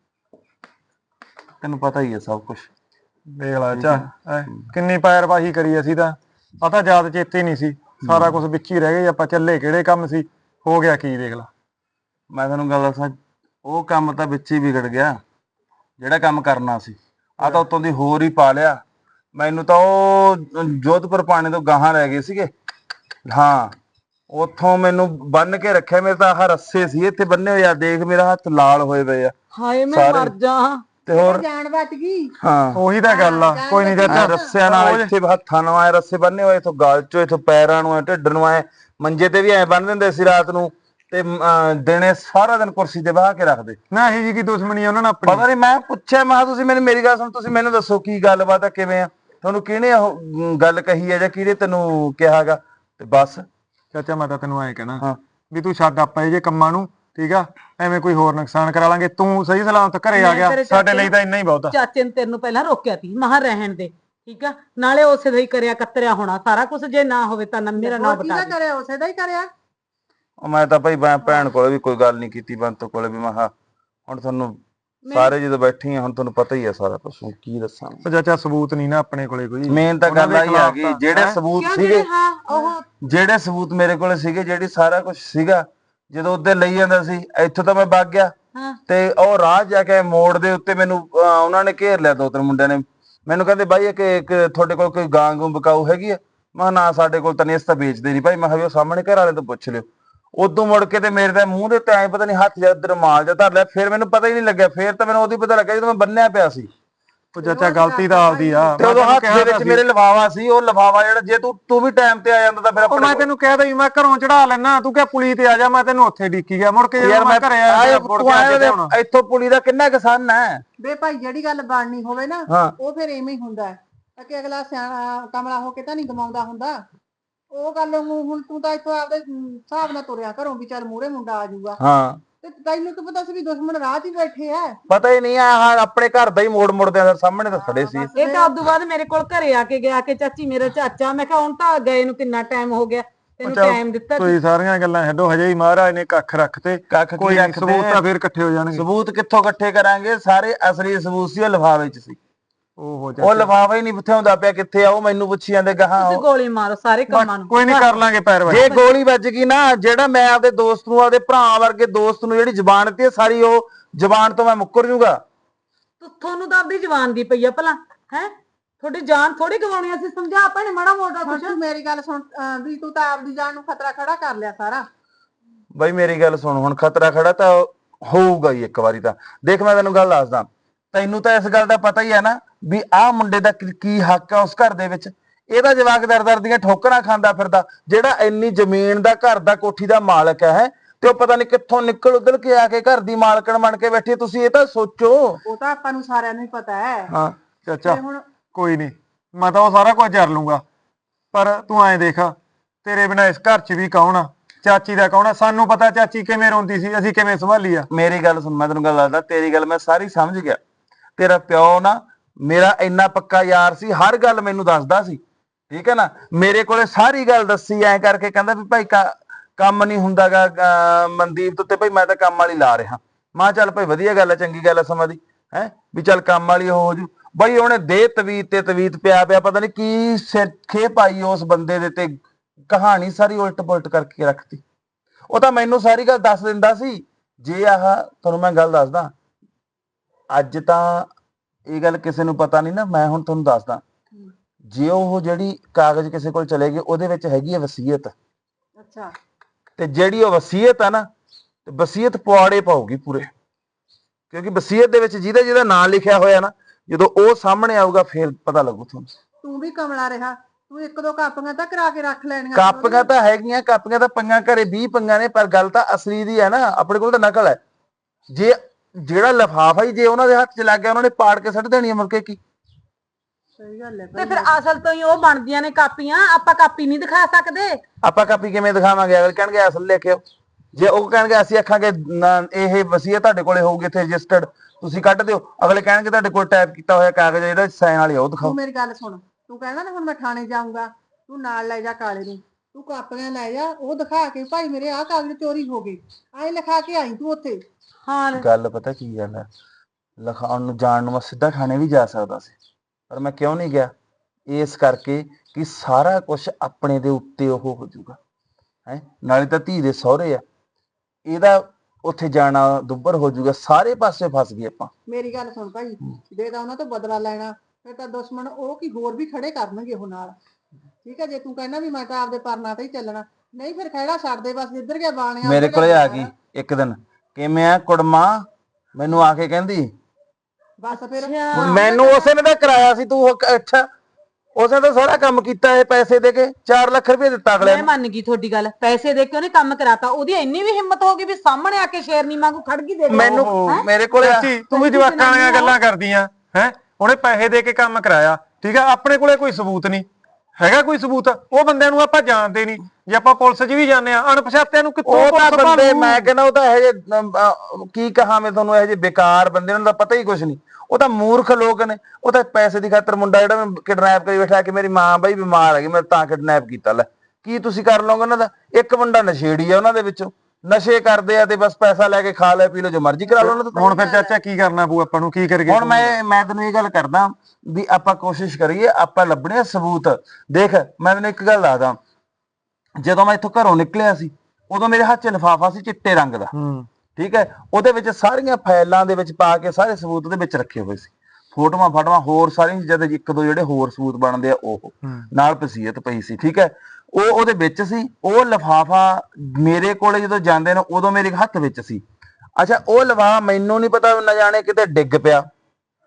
Speaker 1: ਤੈਨੂੰ ਪਤਾ ਹੀ ਹੈ ਸਭ ਕੁਝ।
Speaker 7: ਦੇਖ ਲਾ ਚਾਚਾ, ਐ ਕਿੰਨੀ ਪੈਰਵਾਹੀ ਕਰੀ ਅਸੀਂ ਤਾਂ, ਪਤਾ ਯਾਦ ਚੇਤੇ ਨਹੀਂ ਸੀ, ਸਾਰਾ ਕੁਝ ਵਿੱਚ ਹੀ ਰਹਿ ਗਿਆ। ਆਪਾਂ ਚੱਲੇ ਕਿਹੜੇ ਕੰਮ ਸੀ, ਹੋ ਗਿਆ ਕੀ, ਦੇਖ ਲਾ।
Speaker 1: ਮੈਂ ਤੈਨੂੰ ਗੱਲ ਦੱਸਾਂ, ਉਹ ਕੰਮ ਤਾਂ ਵਿੱਚ ਹੀ ਵਿਗੜ ਗਿਆ ਜਿਹੜਾ ਕੰਮ ਕਰਨਾ ਸੀ। ਆ ਤਾਂ ਉਤੋਂ ਦੀ ਹੋਰ ਹੀ ਪਾ ਲਿਆ। ਮੈਨੂੰ ਤਾਂ ਉਹ ਜੋਧਪੁਰ ਪਾਣੀ ਤੋਂ ਗਾਹਾਂ ਲੈ ਗਏ ਸੀਗੇ। ਹਾਂ, ਉੱਥੋਂ ਮੈਨੂੰ ਬੰਨ ਕੇ ਰੱਖਿਆ। ਮੇਰੇ ਤਾਂ ਆਹ ਰੱਸੇ ਸੀ ਇੱਥੇ ਬੰਨੇ ਹੋਏ ਆ, ਦੇਖ ਮੇਰਾ ਹੱਥ ਲਾਲ ਹੋਏ ਪਏ ਆ।
Speaker 6: ਹਾਏ ਮੈਂ
Speaker 1: ਸਾਰੇ।
Speaker 6: ਮਰ ਜਾ।
Speaker 1: ਤੇ ਹੋਰ
Speaker 2: ਜਾਨ ਬਚ ਗਈ।
Speaker 1: ਹਾਂ,
Speaker 7: ਉਹੀ ਤਾਂ ਗੱਲ ਆ। ਕੋਈ ਨਹੀਂ
Speaker 1: ਆਹ
Speaker 7: ਚਾਚਾ,
Speaker 1: ਰੱਸਿਆਂ ਨਾਲ ਇੱਥੇ ਹੱਥਾਂ ਨੂੰ ਆਏ ਰੱਸੇ ਬੰਨੇ ਹੋਏ, ਇਥੋਂ ਗਲ ਚੋਂ, ਇਥੋਂ ਪੈਰਾਂ ਨੂੰ, ਢਿੱਡ ਨੂੰ ਆਏ। ਮੰਜੇ ਤੇ ਵੀ ਐ ਬੰਨ ਦਿੰਦੇ ਸੀ ਰਾਤ ਨੂੰ, ਤੇ ਅਹ, ਦਿਨੇ ਸਾਰਾ ਦਿਨ ਕੁਰਸੀ ਤੇ ਬਹਾ ਕੇ ਰੱਖਦੇ।
Speaker 7: ਨਾ ਇਹ ਜੀ ਕੀ ਦੁਸ਼ਮਣੀ ਉਹਨਾਂ ਨਾਲ ਆਪਣੀ?
Speaker 1: ਪਤਾ ਨਹੀਂ, ਮੈਂ ਪੁੱਛਿਆ, ਮੈਂ ਕਿਹਾ ਤੁਸੀਂ ਮੈਨੂੰ, ਮੇਰੀ ਗੱਲ ਸੁਣ, ਤੁਸੀਂ ਮੈਨੂੰ ਦੱਸੋ ਕੀ ਗੱਲਬਾਤ ਆ, ਕਿਵੇਂ ਆ, ਤੁਹਾਨੂੰ ਕਿਹਨੇ ਉਹ ਅਮ, ਗੱਲ ਕਹੀ ਹੈ ਜਾਂ ਕਿਹਨੇ ਤੈਨੂੰ ਕਿਹਾਗਾ? ਤੇ ਬਸ
Speaker 7: ਚਾਚਾ ਮੈਂ ਤਾਂ ਤੈਨੂੰ ਐਂ ਕਹਿਣਾ
Speaker 1: ਹਾਂ
Speaker 7: ਵੀ ਤੂੰ ਛੱਡ ਆਪਾਂ ਇਹ ਜੇ ਕੰਮਾਂ ਨੂੰ, ਠੀਕ ਆ? ਐਵੇਂ ਕੋਈ ਹੋਰ ਨੁਕਸਾਨ ਕਰਾ ਲਾਂਗੇ। ਤੂੰ ਸਹੀ ਸਲਾਮਤ ਘਰੇ ਆ
Speaker 6: ਮੈਂ
Speaker 7: ਗਿਆ,
Speaker 6: ਤੇਰੇ
Speaker 7: ਸਾਡੇ
Speaker 6: ਚਾਚੇ
Speaker 7: ਲਈ ਤਾਂ ਇੰਨਾ ਹੀ ਬਹੁਤ ਆ।
Speaker 6: ਚਾਚੇ ਨੇ ਤੈਨੂੰ ਪਹਿਲਾਂ ਰੋਕਿਆ ਸੀ, ਮਹਾ ਰਹਿਣ ਦੇ, ਠੀਕ ਆ? ਨਾਲੇ ਉਸੇ ਦਾ ਹੀ ਕਰਿਆ ਕਤਰਿਆ ਹੋਣਾ ਸਾਰਾ ਕੁਝ, ਜੇ ਨਾ ਹੋਵੇ ਤਾਂ ਨਾ ਮੇਰਾ ਨਾਮ ਬਤਾ
Speaker 2: ਕਿਹਦਾ
Speaker 6: ਦੇ।
Speaker 2: ਕਰਿਆ? ਉਸੇ ਦਾ ਹੀ ਕਰਿਆ।
Speaker 1: ਉਹ ਮੈਂ ਤਾਂ ਭਾਈ ਮੈਂ ਭੈਣ ਕੋਲੇ ਵੀ ਕੋਈ ਗੱਲ ਨਹੀਂ ਕੀਤੀ, ਬੰਤ ਕੋਲੇ ਵੀ। ਮੈਂ ਕਿਹਾ ਹੁਣ ਤੁਹਾਨੂੰ ਸਾਰੇ ਜਦੋਂ ਬੈਠੀ ਆ, ਹੁਣ ਤੁਹਾਨੂੰ ਪਤਾ ਹੀ ਆ ਸਾਰਾ ਕੁਝ, ਕੀ ਦੱਸਾਂ।
Speaker 7: ਉਹ ਚਾਚਾ ਸਬੂਤ ਨਹੀਂ ਨਾ ਆਪਣੇ ਕੋਲੇ ਕੋਈ।
Speaker 1: ਮੇਨ ਤਾਂ
Speaker 7: ਉਹਨਾਂ
Speaker 1: ਗੱਲ
Speaker 7: ਦੇ
Speaker 1: ਆਹੀ ਆ
Speaker 7: ਖਿਲਾਫ਼
Speaker 1: ਗਈ,
Speaker 7: ਤਾਂ-
Speaker 1: ਜਿਹੜੇ
Speaker 7: ਹੈਂ?
Speaker 1: ਸਬੂਤ
Speaker 6: ਕਿਉਂ
Speaker 1: ਸੀਗੇ,
Speaker 6: ਜਿਹੜੇ ਹਾਂ ਉਹ
Speaker 1: ਜਿਹੜੇ ਸਬੂਤ ਮੇਰੇ ਕੋਲੇ ਸੀਗੇ, ਜਿਹੜੀ ਸਾਰਾ ਕੁਝ ਸੀਗਾ, ਜਦੋਂ ਉੱਤੇ ਲਈ ਜਾਂਦਾ ਸੀ, ਇੱਥੋਂ ਤਾਂ ਮੈਂ ਵਗ ਗਿਆ।
Speaker 6: ਹਾਂ
Speaker 1: ਤੇ ਉਹ ਰਾਹ ਜਾ ਕੇ ਮੋੜ ਦੇ ਉੱਤੇ ਮੈਨੂੰ ਅਹ, ਉਹਨਾਂ ਨੇ ਘੇਰ ਲਿਆ। ਦੋ ਤਿੰਨ ਮੁੰਡਿਆਂ ਨੇ ਮੈਨੂੰ ਕਹਿੰਦੇ, ਬਾਈ ਇਹ ਕਿ ਇੱਕ ਤੁਹਾਡੇ ਕੋਲ ਕੋਈ ਗਾਂ ਗੂੰ ਬਕਾਊ ਹੈਗੀ ਆ? ਮੈਂ ਕਿਹਾ ਨਾ, ਸਾਡੇ ਕੋਲ ਤਾਂ ਨਹੀਂ, ਇਸ ਤਾਂ ਵੇਚਦੇ ਨਹੀਂ ਭਾਈ। ਮੈਂ ਕਿਹਾ ਵੀ ਉਹ ਸਾਹਮਣੇ ਘਰ ਵਾਲੇ ਤੋਂ ਪੁੱਛ ਲਿਓ। ਉਦੋਂ ਮੁੜ ਕੇ ਤੇ ਮੇਰੇ ਤਾਂ ਮੂੰਹ ਦੇ ਉੱਤੇ ਐਂ ਪਤਾ ਨਹੀਂ ਹੱਥ ਜਾਂ ਰੁਮਾਲ ਜਾਂ ਧਰ ਲਿਆ। ਫਿਰ ਮੈਨੂੰ ਪਤਾ ਹੀ ਨਹੀਂ ਲੱਗਿਆ। ਫਿਰ ਤਾਂ ਮੈਨੂੰ ਉਹਦੀ ਪਤਾ ਲੱਗਿਆ ਜਦੋਂ ਮੈਂ ਬੰਨਿਆ ਪਿਆ ਸੀ।
Speaker 7: ਉਹ ਚਾਚਾ ਗਲਤੀ ਤਾਂ ਆਪਦੀ ਆ
Speaker 1: ਤੇ
Speaker 7: ਮੈਂ
Speaker 1: ਉਦੋਂ
Speaker 7: ਤੈਨੂੰ
Speaker 1: ਹੱਥ
Speaker 7: ਕਿਹਾ
Speaker 1: ਦੇ
Speaker 7: ਤਾਂ
Speaker 1: ਵਿੱਚ
Speaker 7: ਸੀ।
Speaker 1: ਮੇਰੇ ਲਿਫਾਫਾ ਸੀ, ਉਹ ਲਿਫਾਫਾ ਜਿਹੜਾ ਜੇ ਤੂੰ ਤੂੰ ਵੀ ਟਾਈਮ ਤੇ ਆ ਜਾਂਦਾ ਤਾਂ ਫਿਰ
Speaker 7: ਉਹ
Speaker 1: ਆਪਣੇ
Speaker 7: ਮੈਂ ਤੈਨੂੰ ਕਹਿ ਦਈ ਮੈਂ ਘਰੋਂ ਚੜਾ ਲੈਣਾ, ਤੂੰ ਕਿਹਾ ਪੁਲੀ ਤੇ ਆ ਜਾ, ਮੈਂ ਤੈਨੂੰ ਉੱਥੇ ਡੀਕੀ ਗਿਆ। ਮੁੜ ਕੇ ਜਦੋਂ
Speaker 1: ਯਾਰ
Speaker 7: ਮੈਂ
Speaker 1: ਮੈਂ
Speaker 7: ਘਰੇ ਆਇਆ
Speaker 1: ਆਏ
Speaker 7: ਤੇਰਾ ਮੁੜ
Speaker 1: ਤੂੰ
Speaker 7: ਕੇ
Speaker 1: ਆਏ
Speaker 7: ਅੱਜ
Speaker 1: ਉਹਦੇ-
Speaker 7: ਹੁਣ
Speaker 1: ਇੱਥੋਂ ਪੁਲੀ ਦਾ ਕਿੰਨਾ ਕਿਸਾਨ ਹੈ
Speaker 2: ਵੇ ਭਾਈ ਜਿਹੜੀ ਗੱਲ ਬਣਨੀ ਹੋਵੇ ਨਾ
Speaker 1: ਹਾਂ
Speaker 2: ਉਹ ਫਿਰ ਐਵੇਂ ਹੀ ਹੁੰਦਾ ਹੈ ਤਾਂ ਕਿ ਅਗਲਾ ਸਿਆਣਾ ਕਮਲਾ ਹੋ ਕੇ ਤਾਂ ਨਹੀਂ ਗਮਾਉਂਦਾ ਹੁੰਦਾ। ਉਹ ਗੱਲ ਨੂੰ ਹੁਣ ਤੂੰ ਤਾਂ ਇੱਥੋਂ ਆਪਦੇ ਅਮ, ਹਿਸਾਬ ਨਾਲ ਤੁਰਿਆ ਘਰੋਂ ਵੀ ਚੱਲ ਮੂਹਰੇ ਮੁੰਡਾ ਆ ਜਾਊਗਾ,
Speaker 1: ਹਾਂ
Speaker 2: ਤੇ ਤੈਨੂੰ ਕੀ ਪਤਾ ਸੀ ਵੀ ਦੁਸ਼ਮਣ ਰਾਹ 'ਚ ਹੀ ਬੈਠੇ ਆ।
Speaker 1: ਪਤਾ ਹੀ ਨਹੀਂ ਆ ਹਾਂ ਆਪਣੇ ਘਰ ਦਾ ਹੀ ਮੋੜ ਮੁੜਦੇ ਆ ਸਾਹਮਣੇ ਤਾਂ ਖੜੇ ਸੀ।
Speaker 2: ਬਸ
Speaker 6: ਇਹ ਤਾਂ ਉਦੋਂ ਬਾਅਦ ਮੇਰੇ ਕੋਲ ਘਰੇ ਆ ਕੇ ਗਿਆ ਕਿ ਚਾਚੀ ਮੇਰਾ ਚਾਚਾ, ਮੈਂ ਕਿਹਾ ਹੁਣ ਤਾਂ ਗਏ ਨੂੰ ਕਿੰਨਾ ਟਾਈਮ ਹੋ ਗਿਆ, ਤੈਨੂੰ
Speaker 7: ਚੱਲ,
Speaker 6: ਟਾਈਮ ਦਿੱਤਾ ਸੀ।
Speaker 7: ਤੁਸੀਂ ਸਾਰੀਆਂ ਗੱਲਾਂ ਛੱਡੋ, ਹਜੇ ਹੀ ਮਹਾਰਾਜ ਨੇ ਕੱਖ ਰੱਖਤੇ,
Speaker 1: ਕੱਖ ਕੀ
Speaker 7: ਕੋਈ
Speaker 1: ਰੱਖਤੇ?
Speaker 7: ਸਬੂਤ ਤਾਂ ਫਿਰ ਇਕੱਠੇ ਹੋ ਜਾਣਗੇ।
Speaker 1: ਸਬੂਤ ਕਿੱਥੋਂ ਇਕੱਠੇ ਕਰਾਂਗੇ? ਸਾਰੇ ਅਸਲੀ ਸਬੂਤ ਸੀ ਉਹ ਲਿਫਾਫੇ 'ਚ ਸੀ।
Speaker 7: ਓਹੋ
Speaker 1: ਉਹ
Speaker 7: ਚਾਚਾ
Speaker 1: ਲਿਫਾਫਾ ਹੀ ਨਹੀਂ ਕਿੱਥੇ ਹੁੰਦਾ ਪਿਆ, ਕਿੱਥੇ ਆ ਉਹ ਮੈਨੂੰ ਪੁੱਛੀ ਜਾਂਦੇ ਗਾਹਾਂ
Speaker 6: ਤੁਸੀਂ ਗੋਲੀ ਮਾਰੋ ਸਾਰੇ ਕੰਮਾਂ ਨੂੰ।
Speaker 7: ਕੋਈ ਨਹੀਂ ਕਰ ਲਾਂਗੇ ਪੈਰ
Speaker 1: ਜੇ ਗੋਲੀ ਵੱਜ ਗਈ ਨਾ, ਜਿਹੜਾ ਮੈਂ ਆਪਦੇ ਦੋਸਤ ਨੂੰ ਆਪਦੇ ਭਰਾ ਵਰਗੇ ਦੋਸਤ ਨੂੰ ਜਿਹੜੀ ਜ਼ਬਾਨ ਦਿੱਤੀ ਹੈ, ਸਾਰੀ ਉਹ ਜ਼ਬਾਨ ਤੋਂ ਮੈਂ ਮੁੱਕਰ ਜੂਗਾ।
Speaker 6: ਤੁ- ਤੁਹਾਨੂੰ ਤਾਂ ਆਪਦੀ ਜਵਾਨ ਦੀ ਪਈ ਆ ਭਲਾ, ਹੈ ਤੁਹਾਡੀ ਜਾਨ ਥੋੜੀ ਗਵਾਉਣੀ, ਅਸੀਂ ਸਮਝਾ ਭੈਣੇ ਮਾੜਾ ਮੋਟਾ
Speaker 2: ਹੁਣ
Speaker 6: ਕੁਛ।
Speaker 2: ਤੂੰ ਮੇਰੀ ਗੱਲ ਸੁਣ ਅਹ, ਵੀ ਤੂੰ ਤਾਂ ਆਪਦੀ ਜਾਨ ਨੂੰ ਖਤਰਾ ਖੜਾ ਕਰ ਲਿਆ ਸਾਰਾ।
Speaker 1: ਬਈ ਮੇਰੀ ਗੱਲ ਸੁਣ, ਹੁਣ ਖਤਰਾ ਖੜਾ ਤਾਂ ਹੋਊਗਾ ਹੀ ਇੱਕ ਵਾਰੀ ਤਾਂ। ਦੇਖ ਮੈਂ ਤੈਨੂੰ ਗੱਲ ਦੱਸਦਾ, ਤੈਨੂੰ ਤਾਂ ਇਸ ਗੱਲ ਦਾ ਪਤਾ ਹੀ ਹੈ ਨਾ ਵੀ ਆਹ ਮੁੰਡੇ ਦਾ ਕੀ ਕੀ ਹੱਕ ਆ ਉਸ ਘਰ ਦੇ ਵਿੱਚ। ਇਹਦਾ ਜਵਾਕ ਦਰ ਦਰ ਦੀਆਂ ਠੋਕਰਾਂ ਖਾਂਦਾ ਫਿਰਦਾ, ਜਿਹੜਾ ਇੰਨੀ ਜ਼ਮੀਨ ਦਾ ਘਰ ਦਾ ਕੋਠੀ ਦਾ ਮਾਲਕ ਹੈ ਤੇ ਉਹ ਪਤਾ ਨਹੀਂ ਕਿੱਥੋਂ ਨਿਕਲ ਉਦਲ ਕੇ ਆ ਕੇ ਘਰ ਦੀ ਮਾਲਕਣ ਬਣ ਕੇ ਬੈਠੀ ਹੈ। ਤੁਸੀਂ ਇਹ ਤਾਂ ਸੋਚੋ।
Speaker 2: ਉਹ ਤਾਂ ਆਪਾਂ ਨੂੰ ਸਾਰਿਆਂ ਨੂੰ ਹੀ ਪਤਾ ਹੈ।
Speaker 1: ਹਾਂ
Speaker 7: ਚਾਚਾ
Speaker 2: ਤੇ ਹੁਣ
Speaker 7: ਕੋਈ ਨਹੀਂ, ਮੈਂ ਤਾਂ ਉਹ ਸਾਰਾ ਕੁਝ ਜਰ ਲੂੰਗਾ, ਪਰ ਤੂੰ ਐਂ ਦੇਖ ਤੇਰੇ ਬਿਨਾ ਇਸ ਘਰ 'ਚ ਵੀ ਕੌਣ ਆ? ਚਾਚੀ ਦਾ ਕੌਣ ਆ? ਸਾਨੂੰ ਪਤਾ ਚਾਚੀ ਕਿਵੇਂ ਰੋਂਦੀ ਸੀ, ਅਸੀਂ ਕਿਵੇਂ ਸੰਭਾਲੀ ਆ।
Speaker 1: ਮੇਰੀ ਗੱਲ ਸੁਣ, ਮੈਂ ਤੈਨੂੰ ਗੱਲ ਦੱਸਦਾ, ਤੇਰੀ ਗੱਲ ਮੈਂ ਸਾਰੀ ਸਮਝ ਗਿਆ। ਤੇਰਾ ਪਿਓ ਨਾ ਮੇਰਾ ਇੰਨਾ ਪੱਕਾ ਯਾਰ ਸੀ, ਹਰ ਗੱਲ ਮੈਨੂੰ ਦੱਸਦਾ ਸੀ, ਠੀਕ ਹੈ ਨਾ। ਮੇਰੇ ਕੋਲੇ ਸਾਰੀ ਗੱਲ ਦੱਸੀ ਐ ਕਰਕੇ, ਕਹਿੰਦਾ ਵੀ ਭਾਈ ਕੰਮ ਨਹੀਂ ਹੁੰਦਾਗਾ ਮਨਦੀਪ ਤੋਂ, ਤੇ ਭਾਈ ਮੈਂ ਤਾਂ ਕੰਮ ਵਾਲੀ ਲਾ ਰਿਹਾ। ਮੈਂ ਕਿਹਾ ਚੱਲ ਭਾਈ ਵਧੀਆ ਗੱਲ ਹੈ, ਚੰਗੀ ਗੱਲ ਹੈ ਸਮਾਂ ਦੀ, ਹੈ ਵੀ ਚੱਲ ਕੰਮ ਵਾਲੀ ਹੋ ਜੂ। ਬਈ ਉਹਨੇ ਦੇ ਤਵੀਤ ਤੇ ਤਵੀਤ ਪਿਆ ਪਿਆ, ਪਤਾ ਨਹੀਂ ਕੀ ਸਿੱਖੇ ਪਾਈ ਉਸ ਬੰਦੇ ਦੇ ਤੇ, ਕਹਾਣੀ ਸਾਰੀ ਉਲਟ ਪੁਲਟ ਕਰਕੇ ਰੱਖਤੀ। ਉਹ ਤਾਂ ਮੈਨੂੰ ਸਾਰੀ ਗੱਲ ਦੱਸ ਦਿੰਦਾ ਸੀ। ਜੇ ਆਹ ਤੁਹਾਨੂੰ ਮੈਂ ਗੱਲ ਦੱਸਦਾ, ਅੱਜ ਤਾਂ ਇਹ ਗੱਲ ਕਿਸੇ ਨੂੰ ਪਤਾ ਨਹੀਂ ਨਾ, ਮੈਂ ਹੁਣ ਤੁਹਾਨੂੰ ਦੱਸਦਾ, ਜੇ ਉਹ ਜਿਹੜੀ ਕਾਗਜ਼ ਕਿਸੇ ਕੋਲ ਚਲੇ ਗਏ ਉਹਦੇ ਵਿੱਚ ਹੈਗੀ ਹੈ ਵਸੀਅਤ,
Speaker 2: ਅੱਛਾ
Speaker 1: ਤੇ ਜਿਹੜੀ ਉਹ ਵਸੀਅਤ ਆ ਨਾ, ਤੇ ਵਸੀਅਤ ਪੁਆੜੇ ਪਾਉਗੀ ਪੂਰੇ, ਕਿਉਂਕਿ ਵਸੀਅਤ ਦੇ ਵਿੱਚ ਜਿਹਦਾ ਜਿਹਦਾ ਨਾਂ ਲਿਖਿਆ ਹੋਇਆ ਨਾ, ਜਦੋਂ ਉਹ ਸਾਹਮਣੇ ਆਊਗਾ ਫੇਰ ਪਤਾ ਲੱਗੂ ਤੁਹਾਨੂੰ।
Speaker 2: ਤੂੰ ਵੀ ਕਮਲਾ ਰਿਹਾ, ਤੂੰ ਇੱਕ ਦੋ ਕਾਪੀਆਂ ਤਾਂ ਕਰਾ ਕੇ ਰੱਖ ਲੈਣੀਆਂ।
Speaker 1: ਕਾਪੀਆਂ ਤਾਂ ਹੈਗੀਆਂ, ਕਾਪੀਆਂ ਤਾਂ ਪੰਗਾਂ ਘਰੇ ਵੀਹ ਪੰਗਾਂ ਨੇ, ਪਰ ਗੱਲ ਤਾਂ ਅਸਲੀ ਦੀ ਹੈ ਨਾ, ਆਪਣੇ ਕੋਲ ਤਾਂ ਨਕਲ ਹੈ। ਜੇ ਜਿਹੜਾ ਲਿਫਾਫਾ ਹੀ ਜੇ ਉਹਨਾਂ ਦੇ ਹੱਥ 'ਚ ਲੱਗ ਗਿਆ, ਉਹਨਾਂ ਨੇ ਪਾੜ ਕੇ ਸੁੱਟ ਦੇਣੀ ਹੈ ਮੁੜ ਕੇ ਕੀ।
Speaker 2: ਸਹੀ ਗੱਲ ਹੈ
Speaker 6: ਤੇ ਫਿਰ ਅਸਲ ਤੋਂ ਹੀ ਉਹ ਬਣਦੀਆਂ ਨੇ ਕਾਪੀਆਂ, ਆਪਾਂ ਕਾਪੀ ਨਹੀਂ ਦਿਖਾ ਸਕਦੇ।
Speaker 1: ਆਪਾਂ ਕਾਪੀ ਕਿਵੇਂ ਦਿਖਾਵਾਂਗੇ? ਅਗਰ ਕਹਿਣਗੇ ਅਸਲ ਲੈ ਕੇ ਆਓ, ਜੇ ਉਹ ਕਹਿਣਗੇ ਅਸੀਂ ਆਖਾਂਗੇ ਨਾ ਇਹ ਵਸੀਅਤ ਤੁਹਾਡੇ ਕੋਲੇ ਹੋਊਗੀ ਇੱਥੇ ਰਜਿਸਟਰਡ, ਤੁਸੀਂ ਕੱਢ ਦਿਓ, ਅਗਲੇ ਕਹਿਣਗੇ ਤੁਹਾਡੇ ਕੋਲ ਟਾਈਪ ਕੀਤਾ ਹੋਇਆ ਕਾਗਜ਼ ਜਿਹੜਾ ਸਾਈਨ ਵਾਲੀ ਉਹ ਦਿਖਾਓ।
Speaker 2: ਤੂੰ ਮੇਰੀ ਗੱਲ ਸੁਣ, ਤੂੰ ਕਹਿਣਾ ਨਾ ਹੁਣ ਮੈਂ ਥਾਣੇ ਜਾਊਂਗਾ, ਤੂੰ ਨਾਲ ਲੈ ਜਾ ਕਾਲੇ ਨੂੰ, ਤੂੰ ਕਾਪੀਆਂ ਲੈ ਜਾ, ਉਹ ਦਿਖਾ ਕੇ ਭਾਈ ਮੇਰੇ ਆਹ ਕਾਗਜ਼ ਚੋਰੀ ਹੋ ਗਏ ਐਂ ਲਿਖਾ ਕੇ ਆਈ ਤੂੰ ਉੱਥੇ।
Speaker 6: ਹਾਂ
Speaker 1: ਗੱਲ ਪਤਾ ਕੀ ਗੱਲ ਹੈ, ਲਿਖਾਉਣ ਨੂੰ ਜਾਣ ਨੂੰ ਮੈਂ ਸਿੱਧਾ ਥਾਣੇ ਵੀ ਜਾ ਸਕਦਾ ਸੀ, ਪਰ ਮੈਂ ਕਿਉਂ ਨਹੀਂ ਗਿਆ? ਇਸ ਕਰਕੇ ਕਿ ਸਾਰਾ ਕੁਝ ਆਪਣੇ ਦੇ ਉੱਤੇ ਉਹ ਹੋ ਜਾਊਗਾ, ਹੈ ਨਾਲੇ ਤਾਂ ਧੀ ਦੇ ਸਹੁਰੇ ਆ, ਇਹਦਾ ਉੱਥੇ ਜਾਣਾ ਦੁੱਬਰ ਹੋ ਜਾਊਗਾ, ਸਾਰੇ ਪਾਸੇ ਫਸ ਗਏ ਆਪਾਂ।
Speaker 2: ਮੇਰੀ ਗੱਲ ਸੁਣ ਭਾਈ, ਜੇ ਤਾਂ ਉਹਨਾਂ ਤੋਂ ਬਦਲਾ ਲੈਣਾ ਫਿਰ ਤਾਂ ਦੁਸ਼ਮਣ ਉਹ ਕੀ ਹੋਰ ਵੀ ਖੜੇ ਕਰਨਗੇ ਉਹ ਨਾਲ, ਠੀਕ ਹੈ। ਜੇ ਤੂੰ ਕਹਿਣਾ ਵੀ ਮੈਂ ਤਾਂ ਆਪਦੇ ਪਰਨਾ ਤੇ ਹੀ ਚੱਲਣਾ, ਨਹੀਂ ਫਿਰ ਖਹਿੜਾ ਛੱਡ ਦੇ, ਬਸ ਜਿੱਧਰ ਗਿਆ ਬਾਣਿਆ
Speaker 1: ਮੇਰੇ ਕੋਲੇ ਆ ਗਈ ਇੱਕ ਦਿਨ, ਕਿਵੇਂ ਆ ਕੁੜਮਾ, ਮੈਨੂੰ ਆ ਕੇ ਕਹਿੰਦੀ,
Speaker 2: ਬਸ ਫਿਰ
Speaker 1: ਮੈਨੂੰ ਉਸੇ ਨੇ ਤਾਂ ਕਰਾਇਆ ਸੀ ਤੂੰ, ਅੱਛਾ ਉਸੇ ਤਾਂ ਸਾਰਾ ਕੰਮ ਕੀਤਾ ਇਹ ਪੈਸੇ ਦੇ ਕੇ, ਚਾਰ ਲੱਖ ਰੁਪਏ ਦਿੱਤਾ ਅਗਲੇ
Speaker 6: ਮੈਂ
Speaker 1: ਨੂੰ।
Speaker 6: ਮੰਨ ਗਈ ਤੁਹਾਡੀ ਗੱਲ, ਪੈਸੇ ਦੇ ਕੇ ਉਹਨੇ ਕੰਮ ਕਰਾਤਾ, ਉਹਦੀ ਇੰਨੀ ਵੀ ਹਿੰਮਤ ਹੋ ਗਈ ਵੀ ਸਾਹਮਣੇ ਆ ਕੇ ਸ਼ੇਰਨੀ ਵਾਂਗੂ ਖੜ ਗਈ ਦੇ ਦੇ।
Speaker 1: ਮੈਨੂੰ ਮੇਰੇ ਕੋਲੇ ਆ-
Speaker 7: ਚਾਚੀ ਤੂੰ ਵੀ ਜਵਾਕਾਂ ਵਾਲੀਆਂ ਗੱਲਾਂ ਕਰਦੀਆਂ ਹੈ, ਉਹਨੇ ਪੈਸੇ ਦੇ ਕੇ ਕੰਮ ਕਰਾਇਆ, ਠੀਕ ਆ। ਆਪਣੇ ਕੋਲੇ ਕੋਈ ਸਬੂਤ ਨਹੀਂ ਹੈਗਾ, ਕੋਈ ਸਬੂਤ ਉਹ ਬੰਦਿਆਂ ਨੂੰ ਆਪਾਂ ਜਾਣਦੇ ਨਹੀਂ, ਜੇ ਆਪਾਂ ਪੁਲਿਸ 'ਚ ਵੀ ਜਾਂਦੇ ਆ ਅਣਪਛਾਤਿਆਂ ਨੂੰ ਕਿੱਥੋਂ
Speaker 1: ਉਹ ਤਾਂ
Speaker 7: ਪੁਲਿਸ
Speaker 1: ਬੰਦੇ,
Speaker 7: ਭਾਲੂ?
Speaker 1: ਮੈਂ ਕਹਿੰਦਾ ਉਹ ਤਾਂ ਇਹ ਜੇ ਕੀ ਕਹਾਂ ਮੈਂ ਤੁਹਾਨੂੰ, ਇਹ ਜੇ ਬੇਕਾਰ ਬੰਦੇ, ਉਹਨਾਂ ਦਾ ਪਤਾ ਹੀ ਕੁਝ ਨਹੀਂ, ਉਹ ਤਾਂ ਮੂਰਖ ਲੋਕ ਨੇ। ਉਹ ਤਾਂ ਪੈਸੇ ਦੀ ਖਾਤਰ ਮੁੰਡਾ ਜਿਹੜਾ ਕਿਡਨੈਪ ਕਰੀ ਬੈਠਾ ਕਿ ਮੇਰੀ ਮਾਂ ਬਈ ਬਿਮਾਰ ਹੈਗੀ ਮੈਂ ਤਾਂ ਕਿਡਨੈਪ ਕੀਤਾ, ਲੈ ਕੀ ਤੁਸੀਂ ਕਰ ਲਓਗੇ ਉਹਨਾਂ ਦਾ? ਇੱਕ ਮੁੰਡਾ ਨਸ਼ੇੜੀ ਆ ਉਹਨਾਂ ਦੇ ਵਿੱਚੋਂ, ਨਸ਼ੇ ਕਰਦੇ ਆ ਤੇ ਬਸ ਪੈਸਾ ਲੈ ਕੇ ਖਾ ਲੈ ਪੀ ਲਓ, ਜੋ ਮਰਜ਼ੀ ਕਰਾ ਲਓ ਉਹਨਾਂ ਤੋਂ।
Speaker 7: ਹੁਣ ਫਿਰ ਚਾਚਾ ਕੀ ਕਰਨਾ ਪਊ ਆਪਾਂ ਨੂੰ, ਕੀ ਕਰੀਏ?
Speaker 1: ਹੁਣ ਮੈਂ ਮੈਂ ਤੈਨੂੰ ਇਹ ਗੱਲ ਕਰਦਾ ਵੀ ਆਪਾਂ ਕੋਸ਼ਿਸ਼ ਕਰੀਏ, ਆਪਾਂ ਲੱਭਣੇ ਆ ਸਬੂਤ। ਦੇਖ ਮੈਂ ਤੈਨੂੰ ਇੱਕ ਗੱਲ ਦੱਸਦਾ, ਜਦੋਂ ਮੈਂ ਇੱਥੋਂ ਘਰੋਂ ਨਿਕਲਿਆ ਸੀ ਉਦੋਂ ਮੇਰੇ ਹੱਥ 'ਚ ਲਿਫਾਫਾ ਸੀ ਚਿੱਟੇ ਰੰਗ ਦਾ,
Speaker 7: ਹੂੰ
Speaker 1: ਠੀਕ ਹੈ। ਉਹਦੇ ਵਿੱਚ ਸਾਰੀਆਂ ਫਾਈਲਾਂ ਦੇ ਵਿੱਚ ਪਾ ਕੇ ਸਾਰੇ ਸਬੂਤ ਦੇ ਵਿੱਚ ਰੱਖੇ ਹੋਏ ਸੀ, ਫੋਟੋਆਂ ਫਾਟੋਆਂ ਹੋਰ ਸਾਰੀਆਂ ਚੀਜ਼ਾਂ ਦੇ, ਇੱਕ ਦੋ ਜਿਹੜੇ ਹੋਰ ਸਬੂਤ ਬਣਦੇ ਆ ਉਹ ਨਾਲ ਵਸੀਅਤ ਪਈ ਸੀ, ਠੀਕ ਹੈ। ਉਹ ਉਹਦੇ ਵਿੱਚ ਸੀ। ਉਹ ਲਿਫਾਫਾ ਮੇਰੇ ਕੋਲੇ ਜਦੋਂ ਜਾਂਦੇ ਨੇ ਉਦੋਂ ਮੇਰੇ ਹੱਥ ਵਿੱਚ ਸੀ। ਅੱਛਾ ਉਹ ਲਿਫਾਫਾ ਮੈਨੂੰ ਨਹੀਂ ਪਤਾ ਨਾ ਜਾਣੇ ਕਿਤੇ ਡਿੱਗ ਪਿਆ,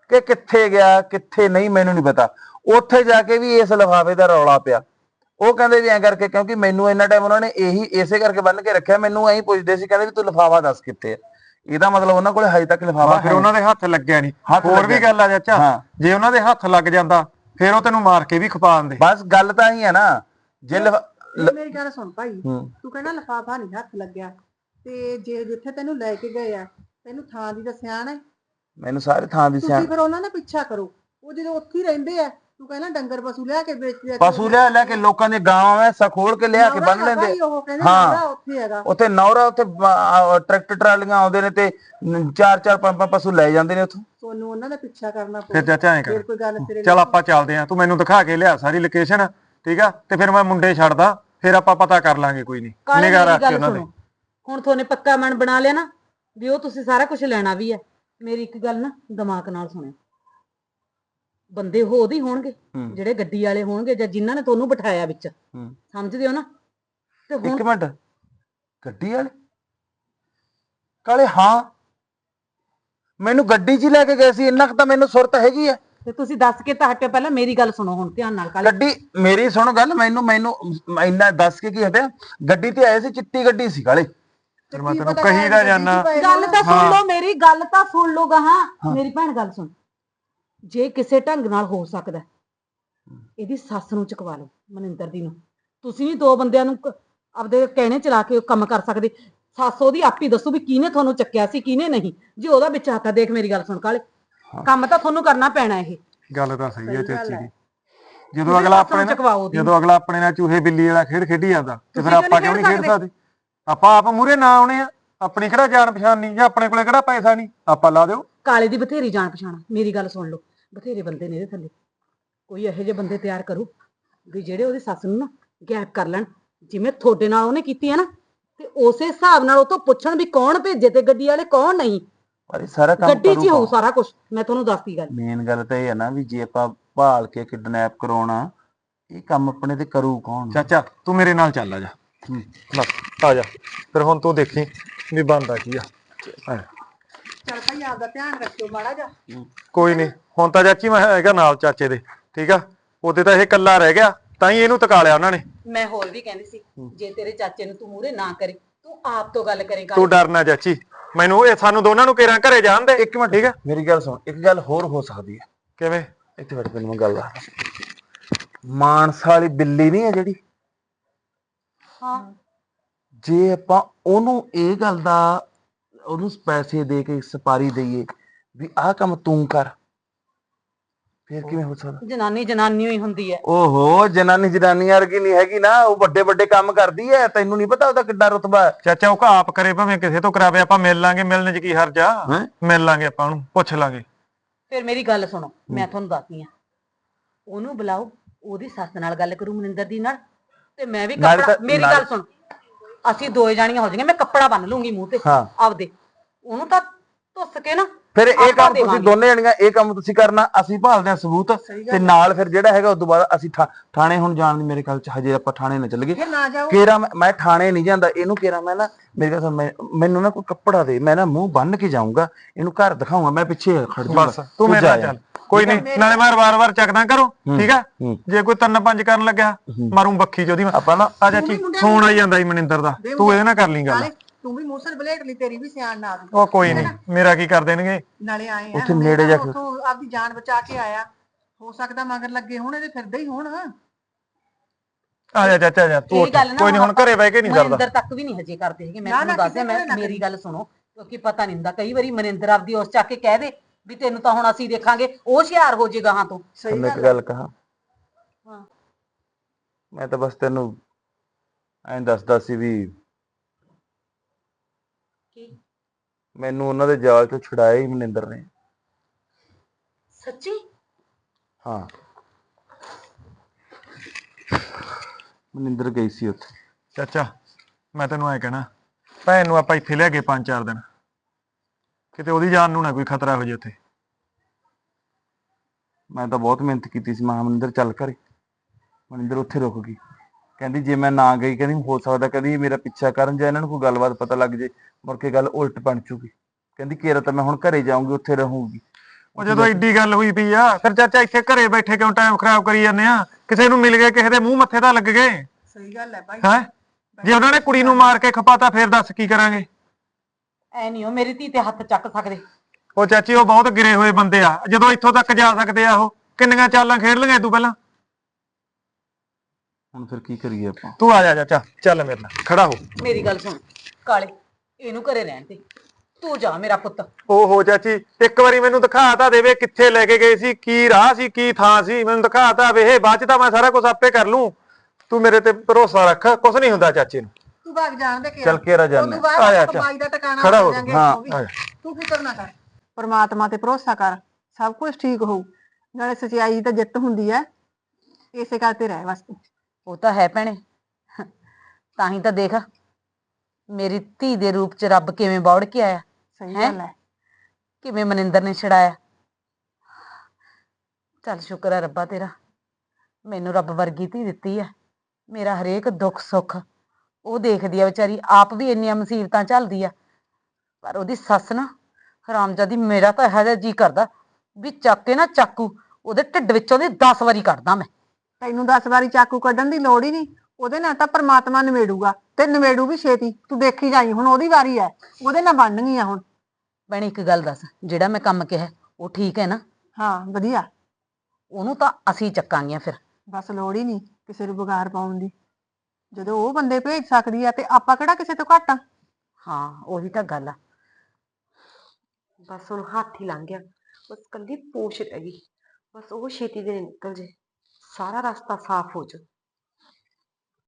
Speaker 1: ਕਿ ਕਿੱਥੇ ਗਿਆ ਕਿੱਥੇ ਨਹੀਂ ਮੈਨੂੰ ਨਹੀਂ ਪਤਾ। ਉੱਥੇ ਜਾ ਕੇ ਵੀ ਇਸ ਲਿਫਾਫੇ ਦਾ ਰੌਲਾ ਪਿਆ। ਉਹ ਕਹਿੰਦੇ ਵੀ ਐਂ ਕਰਕੇ, ਕਿਉਂਕਿ ਮੈਨੂੰ ਇੰਨਾ ਟਾਈਮ ਉਹਨਾਂ ਨੇ ਇਹੀ ਇਸੇ ਕਰਕੇ ਬੰਨ ਕੇ ਰੱਖਿਆ, ਮੈਨੂੰ ਐਂ ਪੁੱਛਦੇ ਸੀ, ਕਹਿੰਦੇ ਵੀ ਤੂੰ ਲਿਫਾਫਾ ਦੱਸ ਕਿੱਥੇ ਆ। ਇਹਦਾ ਮਤਲਬ ਉਹਨਾਂ ਕੋਲੇ ਹਜੇ ਤੱਕ ਲਿਫਾਫਾ
Speaker 7: ਫਿਰ ਉਹਨਾਂ ਦੇ ਹੱਥ ਲੱਗਿਆ ਨਹੀਂ।
Speaker 1: ਹੱਥ
Speaker 7: ਹੋਰ
Speaker 1: ਲੱਗਿਆ
Speaker 7: ਵੀ ਗੱਲ ਆ ਚਾਚਾ,
Speaker 1: ਹਾਂ।
Speaker 7: ਜੇ ਉਹਨਾਂ ਦੇ ਹੱਥ ਲੱਗ ਜਾਂਦਾ ਫਿਰ ਉਹ ਤੈਨੂੰ ਮਾਰ ਕੇ ਵੀ ਖਪਾ ਦਿੰਦੇ।
Speaker 1: ਬਸ ਗੱਲ ਤਾਂ ਹੀ ਹੈ ਨਾ, ਜੇ ਲਿਫਾ-
Speaker 2: ਇਹ ਮੇਰੀ ਗੱਲ ਸੁਣ ਭਾਈ,
Speaker 1: ਹੂੰ।
Speaker 2: ਤੂੰ ਕਹਿੰਦਾ ਲਿਫਾਫਾ ਨਹੀਂ ਹੱਥ ਲੱਗਿਆ, ਤੇ ਜੇ ਜਿੱਥੇ ਤੈਨੂੰ ਲੈ ਕੇ ਗਏ ਆ ਤੈਨੂੰ ਥਾਂ ਦੀ ਦੱਸਿਆ ਨਾ,
Speaker 1: ਮੈਨੂੰ ਸਾਰੇ ਥਾਂ ਦੀ
Speaker 2: ਤੁਸੀਂ
Speaker 1: ਸਿਆਣ
Speaker 2: ਫਿਰ ਉਹਨਾਂ ਦਾ ਪਿੱਛਾ ਕਰੋ। ਉਹ ਜਦੋਂ ਉੱਥੇ ਹੀ ਰਹਿੰਦੇ ਆ, ਤੂੰ ਕਹਿੰਦਾ ਡੰਗਰ ਪਸ਼ੂ ਲਿਆ ਕੇ ਵੇਚਦੇ ਆ,
Speaker 1: ਪਸ਼ੂ ਲਿਆ ਲੈ ਕੇ ਲੋਕਾਂ ਦੇ ਗਾਂਵਾਂ ਐ ਖੋਲ ਕੇ ਲਿਆ ਕੇ ਬੰਨ
Speaker 2: ਨੌਰਾ
Speaker 1: ਲੈਂਦੇ।
Speaker 2: ਭਾਈ ਉਹ ਕਹਿੰਦੇ
Speaker 1: ਹਾਂ।
Speaker 2: ਨੌਰਾ ਉੱਥੇ ਹੈਗਾ।
Speaker 1: ਉੱਥੇ ਨੌਰਾ, ਉੱਥੇ ਬ- ਟਰੈਕਟਰ ਟਰਾਲੀਆਂ ਆਉਂਦੇ ਨੇ ਤੇ ਚਾਰ ਚਾਰ ਪੰਜ ਪੰਜ ਪਸ਼ੂ ਲੈ ਜਾਂਦੇ ਨੇ ਉੱਥੋਂ।
Speaker 2: ਤੁਹਾਨੂੰ ਉਹਨਾਂ ਦਾ ਪਿੱਛਾ ਕਰਨਾ
Speaker 7: ਫਿਰ ਚਾਚਾ ਐਂ
Speaker 2: ਫਿਰ
Speaker 7: ਕਰ,
Speaker 2: ਕੋਈ ਗੱਲ ਤੇਰੇ
Speaker 7: ਚੱਲ ਆਪਾਂ ਚੱਲਦੇ ਆਂ, ਤੂੰ ਮੈਨੂੰ ਦਿਖਾ ਕੇ ਲਿਆ ਸਾਰੀ ਲੋਕੇਸ਼ਨ, ਠੀਕ ਆ, ਤੇ ਫਿਰ ਮੈਂ ਮੁੰਡੇ ਛੱਡਦਾ, ਫਿਰ ਆਪਾਂ ਪਤਾ ਕਰ ਲਾਂਗੇ। ਕੋਈ ਨਹੀਂ,
Speaker 6: ਕਾਲੇ
Speaker 7: ਨਿਗਾਹ
Speaker 6: ਮੇਰੀ
Speaker 7: ਰੱਖ ਕੇ
Speaker 6: ਗੱਲ
Speaker 7: ਉਹਨਾਂ
Speaker 6: ਸੁਣੋ,
Speaker 7: ਦੇ।
Speaker 6: ਹੁਣ ਤੁਹਾਨੇ ਪੱਕਾ ਮਨ ਬਣਾ ਲਿਆ ਨਾ ਵੀ ਉਹ ਤੁਸੀਂ ਸਾਰਾ ਕੁਝ ਲੈਣਾ ਵੀ ਹੈ। ਮੇਰੀ ਇੱਕ ਗੱਲ ਨਾ ਦਿਮਾਗ ਨਾਲ ਸੁਣਿਓ, ਬੰਦੇ ਉਹ ਉਹਦੇ ਹੀ ਹੋਣਗੇ
Speaker 1: ਹੂੰ।
Speaker 6: ਜਿਹੜੇ ਗੱਡੀ ਵਾਲੇ ਹੋਣਗੇ ਜਾਂ ਜਿਨ੍ਹਾਂ ਨੇ ਤੁਹਾਨੂੰ ਬਿਠਾਇਆ ਵਿੱਚ,
Speaker 1: ਹੂੰ।
Speaker 6: ਸਮਝਦੇ ਹੋ ਨਾ? ਤੇ
Speaker 1: ਇੱਕ
Speaker 6: ਹੁਣ
Speaker 1: ਮਿੰਟ, ਗੱਡੀ ਵਾਲੇ ਕਾਲੇ? ਹਾਂ, ਮੈਨੂੰ ਗੱਡੀ 'ਚ ਹੀ ਲੈ ਕੇ ਗਏ ਸੀ, ਇੰਨਾ ਕੁ ਤਾਂ ਮੈਨੂੰ ਸੁਰਤ ਹੈਗੀ ਆ।
Speaker 6: ਤੇ ਤੁਸੀਂ ਦੱਸ ਕੇ ਤਾਂ ਹਟਿਓ। ਪਹਿਲਾਂ ਮੇਰੀ ਗੱਲ ਸੁਣੋ ਹੁਣ ਧਿਆਨ ਨਾਲ ਕਾਲੇ।
Speaker 1: ਗੱਡੀ ਮੇਰੀ ਸੁਣ ਗੱਲ, ਮੈਨੂੰ ਮੈਨੂੰ ਇੰਨਾ ਦੱਸ ਕੇ ਕੀ ਹਟਿਆ, ਗੱਡੀ ਤੇ ਆਏ ਸੀ, ਚਿੱਟੀ ਗੱਡੀ ਸੀ ਕਾਲੇ।
Speaker 7: ਫਿਰ ਮੈਂ ਤੈਨੂੰ ਕਹੀ ਦਾ ਜਾਨਾ।
Speaker 6: ਗੱਲ ਤਾਂ ਸੁਣ ਲਓ ਮੇਰੀ, ਗੱਲ ਤਾਂ ਸੁਣ ਲਓ ਗਾਹਾਂ। ਮੇਰੀ ਭੈਣ ਗੱਲ ਸੁਣ, ਜੇ ਕਿਸੇ ਢੰਗ ਨਾਲ ਹੋ ਸਕਦਾ ਇਹਦੀ ਸੱਸ ਨੂੰ ਚੁਕਵਾ ਲਓ, ਮਨਿੰਦਰ ਦੀ ਨੂੰ। ਤੁਸੀਂ ਵੀ ਦੋ ਬੰਦਿਆਂ ਨੂੰ ਕ- ਆਪਦੇ ਕਹਿਣੇ ਚਲਾ ਕੇ ਕੰਮ ਕਰ ਸਕਦੇ। ਸੱਸ ਉਹਦੀ ਆਪੀ ਦੱਸੂ ਵੀ ਕਿਹਨੇ ਤੁਹਾਨੂੰ ਚੱਕਿਆ ਸੀ ਕਿਹਨੇ ਨਹੀਂ। ਜੇ ਉਹਦਾ ਵਿੱਚ ਹੱਥ ਆ, ਦੇਖ ਮੇਰੀ ਗੱਲ ਸੁਣ ਕਾਲੇ, ਕੰਮ ਤਾਂ ਤੁਹਾਨੂੰ ਕਰਨਾ ਪੈਣਾ। ਇਹ
Speaker 7: ਗੱਲ ਤਾਂ ਸਹੀ ਹੈ ਚਾਚੀ ਦੀ। ਜਦੋਂ
Speaker 6: ਤੁਸੀਂ
Speaker 7: ਅਗਲਾ
Speaker 6: ਸੱਸ ਨੂੰ
Speaker 7: ਆਪਣੇ
Speaker 6: ਚੁਕਵਾਓ
Speaker 7: ਨਾਲ
Speaker 6: ਉਹਦੀ।
Speaker 7: ਜਦੋਂ ਅਗਲਾ ਆਪਣੇ ਨਾਲ ਚੂਹੇ ਬਿੱਲੀ ਵਾਲਾ ਖੇਡ ਖੇਡੀ ਜਾਂਦਾ, ਤੇ ਫਿਰ
Speaker 6: ਤੁਸੀਂ
Speaker 7: ਆਪਾਂ
Speaker 6: ਕਿਉਂ
Speaker 7: ਕਿਉਂ
Speaker 6: ਨੀ
Speaker 7: ਨਹੀਂ ਖੇਡ
Speaker 6: ਖੇਡ
Speaker 7: ਸਕਦੇ? ਆਪਾਂ ਆਪ ਮੂਰੇ ਨਾ ਆਉਣੇ ਆ, ਆਪਣੀ ਕਿਹੜਾ ਜਾਣ ਪਛਾਣ ਨਹੀਂ, ਜਾਂ ਆਪਣੇ ਕੋਲੇ ਕਿਹੜਾ ਪੈਸਾ ਨਹੀਂ, ਆਪਾਂ ਲਾ ਦਿਓ।
Speaker 6: ਕਾਲੇ ਦੀ ਬਥੇਰੀ ਜਾਣ ਪਛਾਣ। ਮੇਰੀ ਗੱਲ ਸੁਣ ਲਓ, ਬਥੇਰੇ ਬੰਦੇ ਨੇ ਇਹਦੇ ਥੱਲੇ। ਕੋਈ ਇਹੋ ਜਿਹੇ ਬੰਦੇ ਤਿਆਰ ਕਰੋ ਵੀ ਜਿਹੜੇ ਉਹਦੀ ਸੱਸ ਨੂੰ ਨਾ ਗੈਪ ਕਰ ਲੈਣ, ਜਿਵੇਂ ਤੁਹਾਡੇ ਨਾਲ ਉਹਨੇ ਕੀਤੀ ਹੈ ਨਾ, ਤੇ ਉਸੇ ਹਿਸਾਬ ਨਾਲ ਉਹ ਤੋਂ ਪੁੱਛਣ ਵੀ ਕੌਣ ਭੇਜੇ ਤੇ ਗੱਡੀ ਵਾਲੇ ਕੌਣ ਨਹੀਂ।
Speaker 1: ਪਰ ਇਹ ਸਾਰਾ ਕੰਮ
Speaker 6: ਗੱਡੀ 'ਚ ਹੀ ਹੋਊ
Speaker 1: ਕਰੂਗਾ।
Speaker 6: ਸਾਰਾ ਕੁਝ, ਮੈਂ ਤੁਹਾਨੂੰ ਦੱਸਦੀ ਗੱਲ।
Speaker 1: ਮੇਨ ਗੱਲ ਤਾਂ ਇਹ ਹੈ ਨਾ ਵੀ ਜੇ ਆਪਾਂ ਭਾਲ ਕੇ ਕਿਡਨੈਪ ਕਰਾਉਣਾ, ਇਹ ਕੰਮ ਆਪਣੇ ਤੇ ਕਰੂ ਕੌਣ?
Speaker 7: ਚਾਚਾ ਤੂੰ ਮੇਰੇ ਨਾਲ ਚੱਲ ਆ ਜਾ,
Speaker 1: ਹੂੰ।
Speaker 7: ਬਸ ਆ ਜਾ। ਫਿਰ ਹੁਣ ਤੂੰ ਦੇਖੀ ਵੀ ਬਣਦਾ ਕੀ ਆ। ਆ ਜਾ।
Speaker 2: ਚੱਲ ਭਾਈ ਆਪਦਾ ਧਿਆਨ ਰੱਖਿਓ ਮਾੜਾ ਜਾ।
Speaker 7: ਕੋਈ ਨਹੀਂ, ਹੁਣ ਤਾਂ ਚਾਚੀ ਮੈਂ ਹੈਗਾ ਨਾਲ ਚਾਚੇ ਦੇ, ਠੀਕ ਆ। ਉਹਦੇ ਤਾਂ ਇਹ ਇਕੱਲਾ ਰਹਿ ਗਿਆ, ਤਾਂ ਹੀ ਇਹਨੂੰ ਤਕਾ ਲਿਆ ਉਹਨਾਂ ਨੇ।
Speaker 6: ਮੈਂ ਹੋਰ ਵੀ ਕਹਿੰਦੀ ਸੀ, ਜੇ ਤੇਰੇ ਚਾਚੇ ਨੂੰ ਤੂੰ ਮੂਹਰੇ ਨਾ ਕਰੇ, ਤੂੰ ਆਪ ਤੋਂ ਗੱਲ ਕਰੇ।
Speaker 7: ਤੂੰ ਡਰਨਾ ਚਾਚੀ, ਮੈਨੂੰ ਇਹ ਸਾਨੂੰ ਦੋਨਾਂ ਨੂੰ ਕੇਰਾਂ ਘਰੇ ਜਾਣ ਦੇ।
Speaker 1: ਇੱਕ ਮਿੰਟ,
Speaker 7: ਠੀਕ ਹੈ,
Speaker 1: ਮੇਰੀ ਗੱਲ ਸੁਣ। ਇੱਕ ਗੱਲ ਹੋਰ ਹੋ ਸਕਦੀ ਹੈ।
Speaker 7: ਕਿਵੇਂ?
Speaker 1: ਇੱਥੇ ਬੈਠ ਤੈਨੂੰ ਮੈਂ ਗੱਲ ਦੱਸਦਾ। ਮਾਨਸਾ ਵਾਲੀ ਬਿੱਲੀ ਨਹੀਂ ਹੈ ਜਿਹੜੀ,
Speaker 6: ਹਾਂ,
Speaker 1: ਜੇ ਆਪਾਂ ਉਹਨੂੰ ਇਹ ਗੱਲ ਦਾ ਉਹਨੂੰ ਪੈਸੇ ਦੇ ਕੇ ਸਪਾਰੀ ਦਈਏ ਵੀ ਆਹ ਕੰਮ ਤੂੰ ਕਰ, ਫਿਰ ਕਿਵੇਂ ਹੋ ਸਕਦਾ?
Speaker 6: ਜਨਾਨੀ ਜਨਾਨੀ ਹੀ ਹੁੰਦੀ ਹੈ।
Speaker 1: ਓਹੋ, ਜਨਾਨੀ ਜਨਾਨੀ ਵਰਗੀ ਨਹੀਂ ਹੈਗੀ ਨਾ, ਉਹ ਵੱਡੇ ਵੱਡੇ ਕੰਮ ਕਰਦੀ ਹੈ। ਤੈਨੂੰ ਨਹੀਂ ਪਤਾ ਉਹਦਾ ਕਿੱਡਾ ਰੁਤਬਾ ਹੈ?
Speaker 7: ਚਾਚਾ ਉਹ ਆਪ ਕਰੇ ਭਾਵੇਂ ਕਿਸੇ ਤੋਂ ਕਰਾਵੇ, ਆਪਾਂ ਮਿਲ ਲਾਂਗੇ, ਮਿਲਣ 'ਚ ਕੀ ਹਰਜ ਆ?
Speaker 1: ਹੈਂ?
Speaker 7: ਮਿਲ ਲਾਂਗੇ, ਆਪਾਂ ਉਹਨੂੰ ਪੁੱਛ ਲਾਂਗੇ।
Speaker 6: ਫਿਰ ਮੇਰੀ ਗੱਲ ਸੁਣੋ, ਮੈਂ ਤੁਹਾਨੂੰ ਦੱਸਦੀ ਆ, ਉਹਨੂੰ ਬੁਲਾਓ, ਉਹਦੀ ਸੱਸ ਨਾਲ ਗੱਲ ਕਰੂ ਮਨਿੰਦਰ ਦੀ ਨਾਲ, ਤੇ ਮੈਂ ਵੀ
Speaker 1: ਨਾਲੇ
Speaker 6: ਕੱਪੜਾ,
Speaker 1: ਤਾਂ-
Speaker 6: ਮੇਰੀ
Speaker 1: ਨਾਲੇ-
Speaker 6: ਗੱਲ ਸੁਣ, ਅਸੀਂ ਦੋਏ ਜਾਣੀਆਂ ਹੋ ਜਾਈਆਂ, ਮੈਂ ਕੱਪੜਾ ਬੰਨ ਲੂੰਗੀ ਮੂੰਹ ਤੇ
Speaker 1: ਹਾਂ।
Speaker 6: ਆਪਦੇ, ਉਹਨੂੰ ਤਾਂ ਧੁੱਸ ਕੇ ਨਾ
Speaker 1: ਫਿਰ ਇਹ
Speaker 6: ਆਪਾਂ
Speaker 1: ਕੰਮ ਤੁਸੀਂ
Speaker 6: ਦੇਵਾਂਗੇ।
Speaker 1: ਦੋਨੇ ਜਣੀਆਂ ਇਹ ਕੰਮ ਤੁਸੀਂ ਕਰਨਾ, ਅਸੀਂ ਭਾਲਦੇ ਹਾਂ ਸਬੂਤ, ਤੇ ਨਾਲ ਫਿਰ ਜਿਹੜਾ ਹੈਗਾ ਉਸ ਤੋਂ ਬਾਅਦ ਅਸੀਂ ਥਾ- ਥਾਣੇ ਹੁਣ ਜਾਣ ਦੀ ਮੇਰੇ ਖਿਆਲ ਚ ਹਜੇ ਆਪਾਂ ਥਾਣੇ ਨਾ ਚੱਲ ਗਏ।
Speaker 2: ਫਿਰ ਨਾ ਜਾਓ।
Speaker 1: ਕੇਰਾ ਮੈਂ ਮੈਂ ਥਾਣੇ ਨਹੀਂ ਜਾਂਦਾ, ਇਹਨੂੰ ਕੇਰਾ ਮੈਂ ਨਾ ਮੇਰੇ ਕੋਲ ਮੈਂ ਮੈਨੂੰ ਨਾ ਕੋਈ ਕੱਪੜਾ ਦੇ, ਮੈਂ ਨਾ ਮੂੰਹ ਬੰਨ ਕੇ ਜਾਊਂਗਾ, ਇਹਨੂੰ ਘਰ ਦਿਖਾਊਂਗਾ, ਮੈਂ ਪਿੱਛੇ ਖੜ ਜਾਊਂਗਾ।
Speaker 7: ਬਸ ਤੂੰ ਮੇਰੇ ਨਾਲ ਚੱਲ, ਕੋਈ ਨਹੀਂ। ਨਾਲੇ ਮੈਂ ਵਾਰ-ਵਾਰ ਚੱਕਦਾ ਕਰੋ, ਠੀਕ ਆ।
Speaker 1: ਹੂੰ।
Speaker 7: ਜੇ ਕੋਈ ਤਿੰਨ ਪੰਜ ਕਰਨ ਲੱਗਿਆ, ਮਾਰੂ ਬੱਖੀ ਚ ਉਹਦੀ ਮੈਂ।
Speaker 1: ਆਪਾਂ ਨਾ
Speaker 7: ਆ ਚਾਚੀ, ਫੋਨ ਆਈ ਜਾਂਦਾ ਸੀ ਮਨਿੰਦਰ ਦਾ, ਤੂੰ ਇਹਦੇ ਨਾਲ ਕਰ ਲਈ ਗੱਲ।
Speaker 2: ਨਾਲੇ ਤੂੰ ਵੀ ਮੂਸਲ ਬਲੇਟ ਲਈ, ਤੇਰੀ ਵੀ ਸਿਆਣ ਨਾ ਆਵੇ।
Speaker 7: ਉਹ ਕੋਈ ਨਹੀਂ, ਮੇਰਾ ਕੀ ਕਰ ਦੇਣਗੇ।
Speaker 2: ਨਾਲੇ ਆਏ ਆ
Speaker 1: ਉੱਥੇ
Speaker 2: ਹੁਣ
Speaker 1: ਨੇੜੇ
Speaker 2: ਇਹ
Speaker 1: ਜਾ
Speaker 2: ਤਾਂ
Speaker 1: ਕੇ-
Speaker 2: ਉੱਥੋਂ ਆਪਦੀ ਜਾਨ ਬਚਾ ਕੇ ਆਇਆ, ਹੋ ਸਕਦਾ ਮਗਰ ਲੱਗੇ ਹੋਣ, ਇਹਦੇ ਫਿਰਦੇ ਹੀ ਹੋਣ।
Speaker 7: ਆ ਜਾ ਚਾਚਾ ਜਾ, ਤੂੰ
Speaker 6: ਇਹ
Speaker 7: ਉੱਠ।
Speaker 6: ਗੱਲ ਨਾ
Speaker 7: ਕੋਈ ਨਹੀਂ, ਹੁਣ ਘਰੇ ਬਹਿ ਕੇ ਨਹੀਂ ਸਰਦਾ।
Speaker 6: ਮਨਿੰਦਰ ਤੱਕ ਵੀ ਨਹੀਂ ਹਜੇ ਕਰਦੇ ਹੈਗੇ, ਮੈਂ
Speaker 2: ਨਾ, ਨਾ,
Speaker 6: ਤੁਹਾਨੂੰ ਦੱਸਦਾ,
Speaker 2: ਕਿਸੇ ਕੋਲੇ
Speaker 6: ਮੈਂ
Speaker 2: ਨਾ
Speaker 6: ਮੇਰੀ ਗੱਲ ਸੁਣੋ, ਕਿਉਂਕਿ ਪਤਾ ਨਹੀਂ ਹੁੰਦਾ, ਕਈ ਵਾਰੀ ਮਨਿੰਦਰ ਆਪਦੀ ਉਸ ਚੱਕ ਕੇ ਕਹਿ ਦੇ ਵੀ ਤੈਨੂੰ ਤਾਂ ਹੁਣ ਅਸੀਂ ਦੇਖਾਂਗੇ, ਉਹ ਹੁਸ਼ਿਆਰ ਹੋ ਜੇ ਗਾਹਾਂ ਤੋਂ।
Speaker 2: ਸਹੀ
Speaker 1: ਮੈਂ ਇੱਕ
Speaker 2: ਗੱਲ
Speaker 1: ਗੱਲ ਕਹਾਂ,
Speaker 6: ਹਾਂ,
Speaker 1: ਮੈਂ ਤਾਂ ਬਸ ਤੈਨੂੰ ਐਂ ਦੱਸਦਾ ਸੀ ਵੀ
Speaker 6: ਕੀ
Speaker 1: ਮੈਨੂੰ ਉਹਨਾਂ ਦੇ ਜਾਲ ਚੋਂ ਛੁਡਾਇਆ ਹੀ ਮਨਿੰਦਰ ਨੇ।
Speaker 6: ਸੱਚੀ?
Speaker 1: ਹਾਂ, ਮਨਿੰਦਰ ਗਈ ਸੀ ਉੱਥੇ।
Speaker 7: ਚਾਚਾ ਮੈਂ ਤੈਨੂੰ ਐ ਕਹਿਣਾ, ਭੈਣ ਨੂੰ ਆਪਾਂ ਇੱਥੇ ਲਿਆ ਕੇ ਪੰਜ ਚਾਰ ਦਿਨ, ਕਿਤੇ ਉਹਦੀ ਜਾਨ ਨੂੰ ਨਾ ਕੋਈ ਖਤਰਾ ਹੋ ਜੇ ਉੱਥੇ।
Speaker 1: ਮੈਂ ਤਾਂ ਬਹੁਤ ਮਿਹਨਤ ਕੀਤੀ ਸੀ, ਮਹਾਂ ਮਨਿੰਦਰ ਚੱਲ ਘਰੇ। ਮਨਿੰਦਰ ਉੱਥੇ ਰੁਕ ਗਈ, ਕਹਿੰਦੀ ਜੇ ਮੈਂ ਨਾ ਗਈ, ਕਹਿੰਦੀ ਹੋ ਸਕਦਾ ਕਹਿੰਦੀ ਇਹ ਮੇਰਾ ਪਿੱਛਾ ਕਰਨ, ਜਾਂ ਇਹਨਾਂ ਨੂੰ ਕੋਈ ਗੱਲਬਾਤ ਪਤਾ ਲੱਗ ਜੇ, ਮੁੜ ਕੇ ਗੱਲ ਉਲਟ ਬਣ ਚੂਗੀ। ਕਹਿੰਦੀ ਕੇਰਾ ਤਾਂ ਮੈਂ ਹੁਣ ਘਰੇ ਜਾਊਂਗੀ, ਉੱਥੇ ਰਹੂੰਗੀ।
Speaker 7: ਉਹ ਜਦੋਂ ਐਡੀ ਗੱਲ ਹੋਈ ਪਈ ਆ ਫਿਰ ਚਾਚਾ ਇੱਥੇ ਘਰੇ ਬੈਠੇ ਕਿਉਂ ਟਾਈਮ ਖਰਾਬ ਕਰੀ ਜਾਂਦੇ ਆ ਕਿਸੇ ਨੂੰ ਮਿਲ ਗਏ ਕਿਸੇ ਦੇ ਮੂੰਹ ਮੱਥੇ ਤਾਂ ਲੱਗ ਗਏ
Speaker 2: ਸਹੀ ਗੱਲ ਹੈ ਭਾਈ।
Speaker 7: ਹੈ ਜੇ ਉਹਨਾਂ ਨੇ ਕੁੜੀ ਨੂੰ ਮਾਰ ਕੇ ਖਪਾਤਾ ਫਿਰ ਦੱਸ ਕੀ ਕਰਾਂਗੇ।
Speaker 6: ਐ ਨਹੀਂ ਉਹ ਮੇਰੀ ਧੀ ਤੇ ਹੱਥ ਚੱਕ ਸਕਦੇ।
Speaker 7: ਉਹ ਚਾਚੀ ਉਹ ਬਹੁਤ ਗਿਰੇ ਹੋਏ ਬੰਦੇ ਆ ਜਦੋਂ ਇੱਥੋਂ ਤੱਕ ਜਾ ਸਕਦੇ ਆ ਉਹ ਕਿੰਨੀਆਂ ਚਾਲਾਂ ਖੇਡ ਲਈਆਂ ਤੂੰ ਪਹਿਲਾਂ।
Speaker 1: ਹੁਣ ਫਿਰ ਕੀ ਕਰੀਏ ਆਪਾਂ?
Speaker 7: ਤੂੰ ਆ ਜਾ ਚਾਚਾ ਚੱਲ ਮੇਰੇ ਨਾਲ ਖੜਾ ਹੋ।
Speaker 6: ਮੇਰੀ ਗੱਲ ਸੁਣ ਕਾਲੇ, ਇਹਨੂੰ ਘਰੇ ਰਹਿਣ ਦੇ, ਤੂੰ ਜਾ ਮੇਰਾ ਪੁੱਤ।
Speaker 7: ਓਹੋ ਚਾਚੀ ਇੱਕ ਵਾਰੀ ਮੈਨੂੰ ਦਿਖਾ ਤਾਂ ਦੇਵੇ ਕਿੱਥੇ ਲੈ ਕੇ ਗਏ ਸੀ ਕੀ ਰਾਹ ਸੀ ਕੀ ਥਾਂ ਸੀ ਮੈਨੂੰ ਦਿਖਾ ਤਾਂ ਵੇ ਬਾਅਦ ਚ ਤਾਂ ਮੈਂ ਸਾਰਾ ਕੁਝ ਆਪੇ ਕਰ ਲੂੰ। ਤੂੰ ਮੇਰੇ ਤੇ ਭਰੋਸਾ ਰੱਖ ਕੁਝ ਨਹੀਂ ਹੁੰਦਾ ਚਾਚੀ ਨੂੰ।
Speaker 2: ਤੂੰ ਭਾਗ ਜਾਣ ਦੇ
Speaker 1: ਚੱਲ ਕੇ ਰਾ ਜਾਨੇ
Speaker 7: ਆ ਜਾ ਚੱਲ।
Speaker 2: ਕਮਾਈ ਦਾ ਟਿਕਾਣਾ
Speaker 7: ਖੜਾ ਹੋ
Speaker 2: ਹੋ ਜਾਾਂਗੇ
Speaker 1: ਹਾਂ,
Speaker 2: ਉਹ ਵੀ।
Speaker 7: ਆ ਜਾ।
Speaker 2: ਤੂੰ ਫਿਕਰ ਨਾ ਕਰ, ਪਰਮਾਤਮਾ ਤੇ ਭਰੋਸਾ ਕਰ, ਸਭ ਕੁਝ ਠੀਕ ਹੋਊ। ਨਾਲੇ ਸਚਾਈ ਤਾਂ ਜਿੱਤ ਹੁੰਦੀ ਹੈ, ਇਸੇ ਕਰਕੇ ਰਹਿ ਬਸ ਤੂੰ।
Speaker 6: ਉਹ ਤਾਂ ਹੈ ਭੈਣੇ, ਤਾਂ ਹੀ ਤਾਂ ਦੇਖ ਮੇਰੀ ਧੀ ਦੇ ਰੂਪ ਚ ਰੱਬ ਕਿਵੇਂ ਬੌੜ ਕੇ ਆਇਆ,
Speaker 2: ਸਹੀ
Speaker 6: ਹੈਂ?
Speaker 2: ਗੱਲ ਹੈ।
Speaker 6: ਕਿਵੇਂ ਮਨਿੰਦਰ ਨੇ ਛੜਾਇਆ। ਚੱਲ ਸ਼ੁਕਰ ਹੈ ਰੱਬਾ ਤੇਰਾ, ਮੈਨੂੰ ਰੱਬ ਵਰਗੀ ਧੀ ਦਿੱਤੀ ਹੈ। ਮੇਰਾ ਹਰੇਕ ਦੁੱਖ ਸੁੱਖ ਉਹ ਦੇਖਦੀ ਆ ਵਿਚਾਰੀ, ਆਪ ਵੀ ਇੰਨੀਆਂ ਮੁਸੀਬਤਾਂ ਝੱਲਦੀ ਆ, ਪਰ ਉਹਦੀ ਸੱਸ ਨਾ ਹਰਾਮਜ਼ਾਦੀ। ਮੇਰਾ ਤਾਂ ਇਹੋ ਜਿਹਾ ਜੀ ਕਰਦਾ ਵੀ ਚੱਕ ਕੇ ਨਾ ਚਾਕੂ ਉਹਦੇ ਢਿੱਡ ਵਿੱਚੋਂ ਦੀ ਦਸ ਵਾਰੀ ਕੱਢਦਾ ਮੈਂ।
Speaker 2: ਤੈਨੂੰ ਦਸ ਵਾਰੀ ਚਾਕੂ ਕੱਢਣ ਦੀ ਲੋੜ ਹੀ ਨਹੀਂ, ਉਹਦੇ ਨਾਲ ਤਾਂ ਪਰਮਾਤਮਾ ਨਿਬੇੜੂਗਾ, ਤੇ ਨਿਬੇੜੂ ਵੀ ਛੇਤੀ। ਤੂੰ ਦੇਖੀ ਜਾਈ, ਹੁਣ ਉਹਦੀ ਵਾਰੀ ਹੈ, ਉਹਦੇ ਨਾਲ ਬਣਨਗੀਆਂ ਹੁਣ।
Speaker 6: ਭੈਣੇ ਇੱਕ ਗੱਲ ਦੱਸ, ਜਿਹੜਾ ਮੈਂ ਕੰਮ ਕਿਹਾ ਉਹ ਠੀਕ ਹੈ ਨਾ?
Speaker 2: ਹਾਂ ਵਧੀਆ,
Speaker 6: ਉਹਨੂੰ ਤਾਂ ਅਸੀਂ ਚੱਕਾਂਗੀਆਂ ਫਿਰ।
Speaker 2: ਬਸ ਲੋੜ ਹੀ ਨਹੀਂ ਕਿਸੇ ਨੂੰ ਬਗਾਰ ਪਾਉਣ ਦੀ। ਜਦੋਂ ਉਹ ਬੰਦੇ ਭੇਜ ਸਕਦੀ ਆ ਤੇ ਆਪਾਂ ਕਿਹੜਾ ਕਿਸੇ ਤੋਂ ਘੱਟ ਆ।
Speaker 6: ਹਾਂ ਉਹੀ ਤਾਂ ਗੱਲ ਆ।
Speaker 4: ਬਸ ਹੁਣ ਹੱਥ ਹੀ ਲੰਘ ਗਿਆ, ਬਸ ਕੱਲੀ ਪੂਛ ਰਹਿ ਗਈ। ਬਸ ਉਹ ਛੇਤੀ ਦੇ ਨਿਕਲ ਜੇ, ਸਾਰਾ ਰਸਤਾ ਸਾਫ਼ ਹੋ ਜਾ।